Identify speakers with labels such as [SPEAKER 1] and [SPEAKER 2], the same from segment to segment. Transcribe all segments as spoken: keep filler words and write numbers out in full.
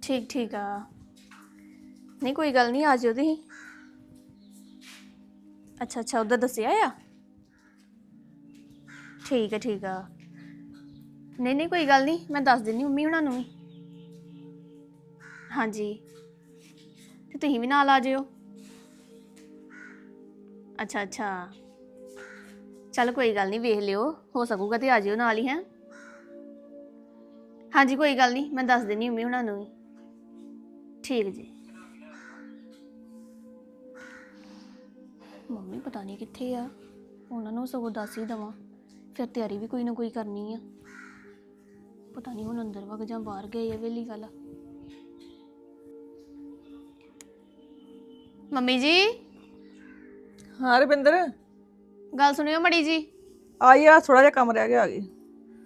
[SPEAKER 1] ਠੀਕ ਠੀਕ ਆ। ਨਹੀਂ ਕੋਈ ਗੱਲ ਨਹੀਂ, ਆ ਜਿਓ ਤੁਸੀਂ। ਅੱਛਾ ਅੱਛਾ, ਉੱਧਰ ਦੱਸਿਆ ਆ। ਠੀਕ ਹੈ ਠੀਕ ਆ। ਨਹੀਂ ਨਹੀਂ ਕੋਈ ਗੱਲ ਨਹੀਂ, ਮੈਂ ਦੱਸ ਦਿੰਦੀ ਮੰਮੀ ਹੁਣਾਂ ਨੂੰ ਵੀ। ਹਾਂਜੀ, ਤੇ ਤੁਸੀਂ ਵੀ ਨਾਲ ਆ ਜਿਓ। ਅੱਛਾ ਅੱਛਾ, ਚੱਲ ਕੋਈ ਗੱਲ ਨਹੀਂ, ਵੇਖ ਲਿਓ, ਹੋ ਸਕੂਗਾ ਤੇ ਆ ਜਿਓ ਨਾਲ ਹੀ। ਹੈ ਹਾਂਜੀ ਕੋਈ ਗੱਲ ਨਹੀਂ, ਮੈਂ ਦੱਸ ਦਿੰਦੀ ਮੰਮੀ ਹੁਣਾਂ ਨੂੰ ਵੀ। ਠੀਕ ਜੀ। ਮੰਮੀ ਪਤਾ ਨਹੀਂ ਕਿੱਥੇ ਆ, ਉਹਨਾਂ ਨੂੰ ਸਗੋਂ ਦੱਸ ਹੀ ਦੇਵਾਂ, ਫਿਰ ਤਿਆਰੀ ਵੀ ਕੋਈ ਨਾ ਕੋਈ ਕਰਨੀ ਆ। ਪਤਾ ਨਹੀਂ ਹੁਣ ਅੰਦਰ ਵਗ ਜਾਂ ਬਾਹਰ ਗਏ ਆ ਵੇਲੀ ਗੱਲ। ਮੰਮੀ ਜੀ।
[SPEAKER 2] ਹਾਂ ਰਵਿੰਦਰ,
[SPEAKER 1] ਗੱਲ ਸੁਣਿਓ ਮੜੀ ਜੀ।
[SPEAKER 2] ਆਈ ਆ, ਥੋੜਾ ਜਿਹਾ ਕੰਮ ਰਹਿ ਗਿਆ, ਆ ਗਈ।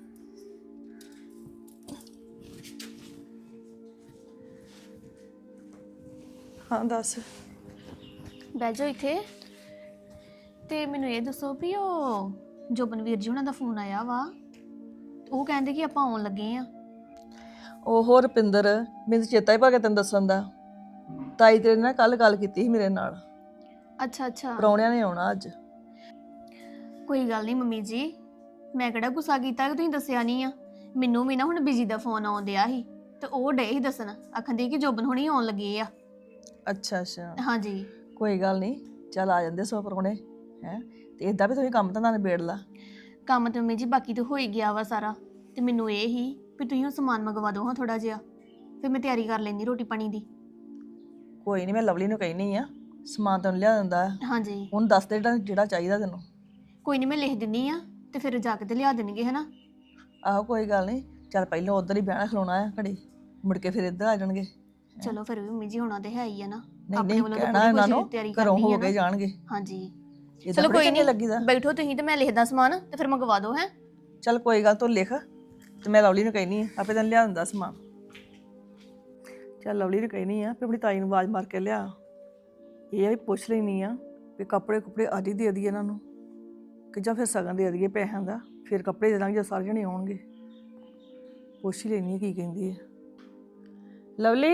[SPEAKER 2] ਹਾਂ ਦੱਸ।
[SPEAKER 1] ਬਹਿ ਜਾਓ ਇੱਥੇ। ਤੇ ਮੈਨੂੰ ਇਹ ਦੱਸੋ ਵੀ ਉਹ ਜੋਬਨਵੀਰ ਜੀ ਉਹਨਾਂ ਦਾ ਫੋਨ ਆਇਆ ਵਾ, ਉਹ ਕਹਿੰਦੇ ਕਿ ਆਪਾਂ ਆਉਣ ਲੱਗੇ ਆ।
[SPEAKER 2] ਉਹ ਰੁਪਿੰਦਰ, ਮੈਨੂੰ ਚੇਤਾ ਹੀ ਭਾ ਗਿਆ ਤੈਨੂੰ ਦੱਸਣ ਦਾ। ਤਾਈ ਤੇਰੇ ਨਾਲ ਕੱਲ ਗੱਲ ਕੀਤੀ ਸੀ ਮੇਰੇ ਨਾਲ।
[SPEAKER 1] ਅੱਛਾ ਅੱਛਾ,
[SPEAKER 2] ਪ੍ਰਾਹੁਣਿਆਂ ਨੇ ਆਉਣਾ ਅੱਜ।
[SPEAKER 1] ਕੋਈ ਗੱਲ ਨਹੀਂ ਮੰਮੀ ਜੀ, ਮੈਂ ਕਿਹੜਾ ਗੁੱਸਾ ਕੀਤਾ ਕਿ ਤੁਸੀਂ ਦੱਸਿਆ ਨਹੀਂ ਆ। ਮੈਨੂੰ ਵੀ ਨਾ ਹੁਣ ਬਿਜੀ ਦਾ ਫੋਨ ਆਉਣ ਡਿਆ ਸੀ, ਤੇ ਉਹ ਡੇ ਹੀ ਦੱਸਣ, ਆਖੰਦੀ ਕਿ ਜੋਬਨ ਹੁਣੀ ਆਉਣ ਲੱਗੇ ਆ।
[SPEAKER 2] ਅੱਛਾ ਅੱਛਾ,
[SPEAKER 1] ਹਾਂਜੀ
[SPEAKER 2] ਕੋਈ ਗੱਲ ਨਹੀਂ, ਚੱਲ ਆ ਜਾਂਦੇ ਸੋ ਪ੍ਰਾਹੁਣੇ। ਹੈ ਤੇ ਏਦਾਂ ਵੀ ਤੁਸੀਂ ਕੰਮ ਤਾਂ ਨਿਬੇੜ ਲਾ।
[SPEAKER 1] ਕੰਮ ਤੇ ਮੰਮੀ ਜੀ ਬਾਕੀ ਤਾਂ ਹੋ ਹੀ ਗਿਆ ਵਾ ਸਾਰਾ, ਤੇ ਮੈਨੂੰ ਇਹ ਹੀ ਵੀ ਤੁਸੀਂ ਉਹ ਸਮਾਨ ਮੰਗਵਾ ਦਿਓ ਹਾਂ ਥੋੜਾ ਜਿਹਾ, ਫਿਰ ਮੈਂ ਤਿਆਰੀ ਕਰ ਲੈਂਦੀ ਰੋਟੀ ਪਾਣੀ ਦੀ।
[SPEAKER 2] ਕੋਈ ਨਹੀਂ, ਮੈਂ ਲਵਲੀ ਨੂੰ ਕਹਿਨੀ ਆ, ਸਮਾਨ ਤੈਨੂੰ ਲਿਆ ਦਿੰਦਾ।
[SPEAKER 1] ਹਾਂਜੀ
[SPEAKER 2] ਹੁਣ ਦੱਸ ਦੇ ਜਿਹੜਾ ਜਿਹੜਾ ਚਾਹੀਦਾ ਤੈਨੂੰ।
[SPEAKER 1] ਕੋਈ ਨਹੀਂ, ਮੈਂ ਲਿਖ ਦਿੰਦੀ ਆ, ਤੇ ਫਿਰ ਜਾ ਕੇ ਤੇ ਲਿਆ ਦੇਣਗੇ ਹੈ ਨਾ।
[SPEAKER 2] ਆਹੋ ਕੋਈ ਗੱਲ ਨਹੀਂ, ਚੱਲ ਪਹਿਲਾਂ ਉੱਧਰ ਹੀ ਬਹਿਣਾ ਖਲੋਣਾ ਆ ਘੜੀ, ਮੁੜ ਕੇ ਫਿਰ ਇੱਧਰ ਆ ਜਾਣਗੇ।
[SPEAKER 1] ਚਲੋ ਫਿਰ ਵੀ ਮੰਮੀ ਜੀ ਹੋਣਾ ਤੇ ਹੈ ਹੀ ਆ ਨਾ,
[SPEAKER 2] ਨਹੀਂ
[SPEAKER 1] ਆਪਣੇ
[SPEAKER 2] ਨਹੀਂ,
[SPEAKER 1] ਵੱਲੋਂ ਤਾਂ
[SPEAKER 2] ਕਹਿਣਾ
[SPEAKER 1] ਪੂਰੀ
[SPEAKER 2] ਇਹਨਾਂ ਨੂੰ,
[SPEAKER 1] ਕੋਸ਼ਿਸ਼ ਤਿਆਰੀ
[SPEAKER 2] ਘਰੋਂ
[SPEAKER 1] ਕਰਨੀ
[SPEAKER 2] ਹੋ
[SPEAKER 1] ਹੈ
[SPEAKER 2] ਕੇ
[SPEAKER 1] ਨਾ।
[SPEAKER 2] ਜਾਣਗੇ।
[SPEAKER 1] ਹਾਂਜੀ
[SPEAKER 2] ਏਦਾਂ
[SPEAKER 1] ਚਲੋ
[SPEAKER 2] ਥੋੜ੍ਹੀ
[SPEAKER 1] ਕੋਈ
[SPEAKER 2] ਚੰਗੇ
[SPEAKER 1] ਨਹੀਂ,
[SPEAKER 2] ਲੱਗੀਦਾ।
[SPEAKER 1] ਬੈਠੋ ਤੁਸੀਂ ਤੇ ਮੈਂ ਲਿਖਦਾ ਸਮਾਨ ਤੇ ਫਿਰ ਮੰਗਵਾ ਦਿਓ। ਹੈ
[SPEAKER 2] ਚੱਲ ਕੋਈ ਗੱਲ, ਤੂੰ ਲਿਖ ਤੇ ਮੈਂ ਲਵਲੀ ਨੂੰ ਕਹਿਨੀ ਆ, ਆਪੇ ਤੈਨੂੰ ਲਿਆ ਦਿੰਦਾ ਸਮਾਨ। ਚੱਲ ਲਵਲੀ ਨੂੰ ਕਹਿਨੀ ਆ ਵੀ ਆਪਣੀ ਤਾਈ ਨੂੰ ਆਵਾਜ਼ ਮਾਰ ਕੇ ਲਿਆ। ਇਹ ਆ ਵੀ ਪੁੱਛ ਲੈਣੀ ਆ ਵੀ ਕੱਪੜੇ ਕੁਪੜੇ ਅੱਜ ਹੀ ਦੇ ਦਈਏ ਇਹਨਾਂ ਨੂੰ, ਕਿ ਜਾਂ ਫਿਰ ਸਗਨ ਦੇ ਦਈਏ ਪੈਸਿਆਂ ਦਾ, ਫਿਰ ਕੱਪੜੇ ਦੇ ਦਾਂਗੇ ਜਦੋਂ ਸਾਰੇ ਜਣੇ ਆਉਣਗੇ। ਪੁੱਛ ਹੀ ਲੈਣੀ ਆ ਕੀ ਕਹਿੰਦੀ ਹੈ ਲਵਲੀ।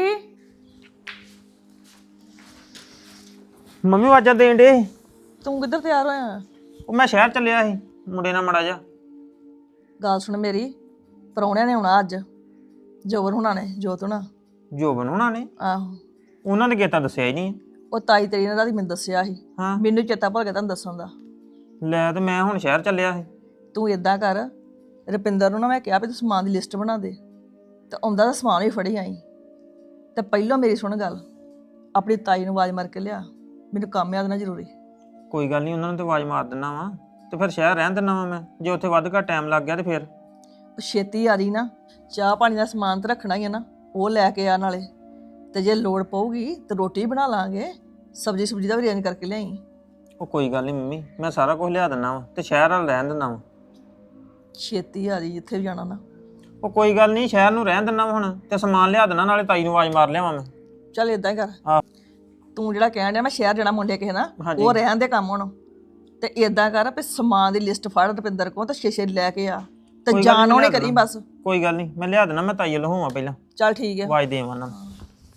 [SPEAKER 3] ਮੰਮੀ ਆਵਾਜ਼ਾਂ ਦੇਣ ਡੇ।
[SPEAKER 2] ਤੂੰ ਕਿੱਧਰ ਤਿਆਰ ਹੋਇਆ?
[SPEAKER 3] ਉਹ ਮੈਂ ਸ਼ਹਿਰ ਚੱਲਿਆ ਸੀ ਮੁੰਡੇ ਨਾਲ ਮੜਾ ਜਾ।
[SPEAKER 2] ਗੱਲ ਸੁਣ ਮੇਰੀ, ਪ੍ਰਾਹੁਣਿਆਂ ਨੇ ਆਉਣਾ ਅੱਜ, ਜੋਬਨ ਹੁਣਾਂ ਨੇ, ਜੋਤ ਹੁਣਾਂ।
[SPEAKER 3] ਜੋਬਨ ਹੁਣਾਂ ਨੇ?
[SPEAKER 2] ਆਹੋ,
[SPEAKER 3] ਉਹਨਾਂ ਨੇ ਕੀਤਾ ਦੱਸਿਆ ਹੀ ਨਹੀਂ।
[SPEAKER 2] ਉਹ ਤਾਈ ਤੇਰੀ ਨੇ ਰਾਤੀ ਮੈਨੂੰ ਦੱਸਿਆ ਸੀ,
[SPEAKER 3] ਹਾਂ
[SPEAKER 2] ਮੈਨੂੰ ਚੇਤਾ ਭੁੱਲ ਗਿਆ ਤੁਹਾਨੂੰ ਦੱਸਣ ਦਾ।
[SPEAKER 3] ਲੈ ਤੇ ਮੈਂ ਹੁਣ ਸ਼ਹਿਰ ਚੱਲਿਆ ਸੀ।
[SPEAKER 2] ਤੂੰ ਇਦਾਂ ਕਰ, ਰੁਪਿੰਦਰ ਨੂੰ ਨਾ ਮੈਂ ਕਿਹਾ ਵੀ ਤੂੰ ਸਮਾਨ ਦੀ ਲਿਸਟ ਬਣਾ ਦੇ, ਤੇ ਆਉਂਦਾ ਤਾਂ ਸਮਾਨ ਵੀ ਫੜੀ ਆਈ। ਤੇ ਪਹਿਲਾਂ ਮੇਰੀ ਸੁਣ ਗੱਲ, ਆਪਣੀ ਤਾਈ ਨੂੰ ਆਵਾਜ਼ ਮਾਰ ਕੇ ਲਿਆ, ਮੈਨੂੰ ਕੰਮ ਯਾਦ ਨਾ ਜ਼ਰੂਰੀ।
[SPEAKER 3] ਕੋਈ ਗੱਲ ਨਹੀਂ, ਉਹਨਾਂ ਨੂੰ ਤੇ ਆਵਾਜ਼ ਮਾਰ ਦਿੰਦਾ ਵਾ, ਤੇ ਫਿਰ ਸ਼ਹਿਰ ਰਹਿਣ ਦਿੰਦਾ ਵਾ ਮੈਂ। ਜੇ ਉੱਥੇ ਵੱਧ ਘੱਟ ਟਾਈਮ ਲੱਗ ਗਿਆ ਤੇ ਫਿਰ
[SPEAKER 2] ਛੇਤੀ ਆ ਰਹੀ ਨਾ, ਚਾਹ ਪਾਣੀ ਦਾ ਸਮਾਨ ਤਾਂ ਰੱਖਣਾ ਹੀ ਹੈ ਨਾ, ਉਹ ਲੈ ਕੇ ਆ ਨਾਲੇ। ਤੇ ਜੇ ਲੋੜ ਪਊਗੀ ਤੇ ਰੋਟੀ ਬਣਾ ਲਾਂਗੇ, ਸਬਜ਼ੀ ਸੁਬਜ਼ੀ ਦਾ ਵੀ ਅਰੇਂਜ ਕਰਕੇ ਲਿਆਈ।
[SPEAKER 3] ਉਹ ਕੋਈ ਗੱਲ ਨਹੀਂ ਮੰਮੀ, ਮੈਂ ਸਾਰਾ ਕੁਝ ਲਿਆ ਦਿੰਦਾ ਵਾ, ਤੇ ਸ਼ਹਿਰ ਵੱਲ ਰਹਿਣ ਦਿੰਦਾ ਵਾ।
[SPEAKER 2] ਛੇਤੀ ਆ ਰਹੀ ਜਿੱਥੇ ਵੀ ਜਾਣਾ ਨਾ।
[SPEAKER 3] ਉਹ ਕੋਈ ਗੱਲ ਨਹੀਂ, ਸ਼ਹਿਰ ਨੂੰ ਰਹਿਣ ਦਿੰਦਾ ਵਾ ਹੁਣ, ਤੇ ਸਮਾਨ ਲਿਆ ਦੇਣਾ, ਨਾਲੇ ਤਾਈ ਨੂੰ ਆਵਾਜ਼ ਮਾਰ ਲਿਆਵਾਂ ਮੈਂ।
[SPEAKER 2] ਚੱਲ ਇਦਾਂ ਹੀ ਕਰ।
[SPEAKER 3] ਹਾਂ
[SPEAKER 2] ਤੂੰ ਜਿਹੜਾ ਕਹਿਣ ਡਿਆ ਮੈਂ ਸ਼ਹਿਰ ਜਾਣਾ ਮੁੰਡੇ ਕਿਸੇ ਨਾਲ,
[SPEAKER 3] ਹਾਂਜੀ।
[SPEAKER 2] ਉਹ ਰਹਿਣ ਦੇ ਕੰਮ ਹੁਣ। ਤੇ ਇਦਾਂ ਕਰ ਵੀ ਸਮਾਨ ਦੀ ਲਿਸਟ ਫੜ ਰੁਪਿੰਦਰ ਕੋਲ, ਤੇ ਛੇ ਛੇ ਲੈ ਕੇ ਆ, ਤੇ
[SPEAKER 3] ਕੋਈ ਗੱਲ
[SPEAKER 2] ਜਾਣ
[SPEAKER 3] ਨੀ,
[SPEAKER 2] ਉਹਨੇ
[SPEAKER 3] ਲਿਆ
[SPEAKER 2] ਕਰੀ
[SPEAKER 3] ਦੇਣਾ।
[SPEAKER 2] ਬਸ।
[SPEAKER 3] ਕੋਈ ਗੱਲ ਨਹੀਂ, ਮੈਂ ਲਿਆ ਦੇਣਾ, ਮੈਂ ਤਾਈ ਵੱਲ ਹੋਵਾਂ ਪਹਿਲਾਂ,
[SPEAKER 2] ਚੱਲ ਠੀਕ ਹੈ।
[SPEAKER 3] ਆਵਾਜ਼ ਦੇਵਾਂ ਉਹਨਾਂ ਨੂੰ।